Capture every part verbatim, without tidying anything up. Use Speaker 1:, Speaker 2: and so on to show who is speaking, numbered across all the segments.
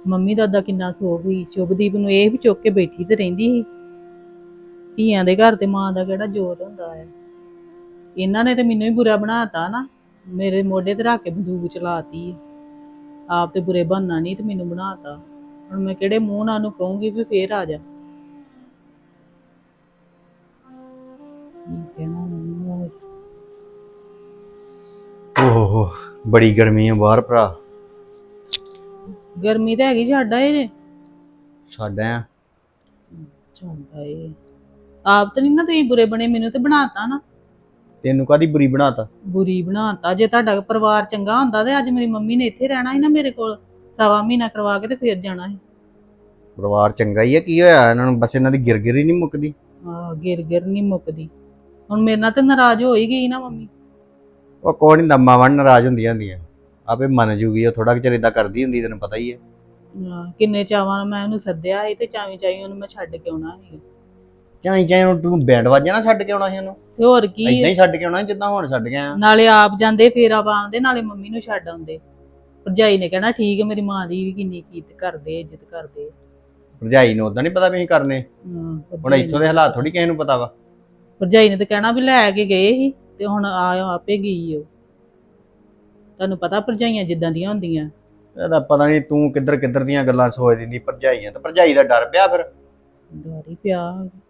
Speaker 1: Mummy ਦਾ ਅੱਦਾ ਕਿੰਨਾ ਸੋਗ ਸੀ। ਸ਼ੁਭਦੀਪ ਨੂੰ ਇਹ ਵੀ ਚੁੱਕ ਕੇ ਬੈਠੀ ਤੇ ਰਹਿੰਦੀ ਸੀ। ਧੀਆਂ ਦੇ ਘਰ ਤੇ ਮਾਂ ਦਾ ਕਿਹੜਾ ਜ਼ੋਰ ਹੁੰਦਾ ਹੈ। ਇਹਨਾਂ ਨੇ ਤੇ ਮੈਨੂੰ ਹੀ ਬੁਰਾ ਬਣਾਤਾ ਨਾ, ਮੇਰੇ ਮੋਢੇ ਤੇ ਰੱਖ ਕੇ ਬੰਦੂਕ ਚਲਾਤੀ। ਆਪ ਤੇ ਬੁਰੇ ਬਣਨਾ ਨਹੀਂ ਤੇ ਮੈਨੂੰ ਬਣਾਤਾ। ਹੁਣ ਮੈਂ ਕਿਹੜੇ ਮੂੰਹ ਨਾਲ ਉਹਨੂੰ ਕਹੂੰਗੀ ਵੀ ਫੇਰ ਆ ਜਾ। ਕੀ ਕਹਿਣਾ ਉਹਨੂੰ।
Speaker 2: ਓਹੋ ਬੜੀ ਗਰਮੀ ਆ ਬਾਹਰ ਭਰਾ।
Speaker 1: ਗਰਮੀ ਤਾਂ ਹੈਗੀ, ਛੱਡ ਆਏ ਜੇ।
Speaker 2: ਛੱਡ ਆਇਆ।
Speaker 1: ਛੱਡ ਆਏ ਆਪ ਤੇ ਨੀ ਨਾ ਤੁਸੀਂ ਬੁਰੇ ਬਣੇ, ਮੈਨੂੰ ਤੇ ਬਣਾਤਾ ਨਾ।
Speaker 2: ਤੈਨੂੰ ਕਾਹਦੀ ਬੁਰੀ ਬਣਾਤਾ?
Speaker 1: ਬੁਰੀ ਬਣਾਤਾ। ਜੇ ਤੁਹਾਡਾ ਪਰਿਵਾਰ ਚੰਗਾ ਹੁੰਦਾ ਤੇ ਅੱਜ ਮੇਰੀ ਮੰਮੀ ਨੇ ਇੱਥੇ ਰਹਿਣਾ ਸੀ ਨਾ ਮੇਰੇ ਕੋਲ, ਸਵਾ ਮਹੀਨਾ ਕਰਵਾ ਕੇ ਤੇ ਫੇਰ ਜਾਣਾ ਸੀ।
Speaker 2: ਪਰਿਵਾਰ ਚੰਗਾ ਹੀ ਆ, ਕੀ ਹੋਇਆ ਇਹਨਾਂ ਨੂੰ? ਬਸ ਇਹਨਾਂ ਦੀ ਗਿਰਗਿਰ ਹੀ ਨਹੀਂ ਮੁੱਕਦੀ।
Speaker 1: ਆਹ ਗਿਰ ਗਿਰ ਨੀ ਮੁੱਕਦੀ। ਹੁਣ ਮੇਰੇ ਨਾਲ ਤੇ ਨਾਰਾਜ਼ ਹੋ ਹੀ ਗਈ ਨਾ ਮੰਮੀ।
Speaker 2: ਉਹ ਕੋਈ ਨਹੀਂ, ਮਾਵਾਂ ਨਾਰਾਜ਼ ਹੁੰਦੀਆਂ ਹੁੰਦੀਆਂ ਆਪੇ ਮੰਨ ਜੂਗੀ। ਉਹ ਥੋੜਾ ਚਿਰ ਏਦਾਂ ਕਰਦੀ ਹੁੰਦੀ, ਤੈਨੂੰ ਪਤਾ ਹੀ ਹੈ।
Speaker 1: ਆਹ ਕਿੰਨੇ ਚਾਵਾਂ ਨਾਲ ਮੈਂ ਉਹਨੂੰ ਸੱਦਿਆ ਸੀ ਤੇ ਚਾਵੀਂ ਚਾਵੀਂ ਉਹਨੂੰ ਮੈਂ ਛੱਡ ਕੇ ਆਉਣਾ ਸੀ।
Speaker 2: ਚਾਈ ਚਾਈ ਹੁਣ ਤੂੰ ਬੈਂਡ ਵਾਜਾ ਨਾ ਛੱਡ ਕੇ ਆਉਣਾ ਸੀ ਉਹਨੂੰ?
Speaker 1: ਤੇ ਹੋਰ ਕੀ।
Speaker 2: ਏਦਾਂ ਹੀ ਛੱਡ ਕੇ ਆਉਣਾ ਜਿੱਦਾਂ ਹੁਣ ਛੱਡ ਗਿਆ।
Speaker 1: ਨਾਲੇ ਆਪ ਜਾਂਦੇ ਫੇਰਾ ਪਾਉਂਦੇ, ਨਾਲੇ ਮੰਮੀ ਨੂੰ ਛੱਡ ਆਉਂਦੇ। ਭਰਜਾਈ ਨੇ ਕਹਿਣਾ ਠੀਕ ਹੈ, ਮੇਰੀ ਮਾਂ ਦੀ ਵੀ ਕਿੰਨੀ ਇੱਜ਼ਤ ਕਰਦੇ ਇੱਜ਼ਤ ਕਰਦੇ।
Speaker 2: ਭਰਜਾਈ ਨੂੰ ਉਦਾਂ ਨਹੀਂ ਪਤਾ ਵੀ ਅਸੀਂ ਕਰਨੇ? ਹੁਣ ਇੱਥੋਂ ਦੇ ਹਾਲਾਤ ਥੋੜੀ ਕਿਸੇ ਨੂੰ ਪਤਾ ਵਾ।
Speaker 1: ਭਰਜਾਈ ਨੇ ਤੇ ਕਹਿਣਾ ਵੀ ਲੈ ਕੇ ਗਏ ਸੀ ਤੇ ਹੁਣ ਆ ਆਪੇ ਗਈ ਉਹ। ਤੁਹਾਨੂੰ ਪਤਾ ਭਰਜਾਈਆਂ ਜਿੱਦਾਂ ਦੀਆਂ ਹੁੰਦੀਆਂ।
Speaker 2: ਇਹਦਾ ਪਤਾ ਨਹੀਂ ਤੂੰ ਕਿੱਧਰ ਕਿੱਧਰ ਦੀਆਂ ਗੱਲਾਂ ਸੋਚ ਦਿੰਦੀ। ਭਰਜਾਈਆਂ ਤੇ ਭਰਜਾਈ ਦਾ ਡਰ ਪਿਆ ਫਿਰ।
Speaker 1: ਡਰ ਹੀ ਪਿਆ।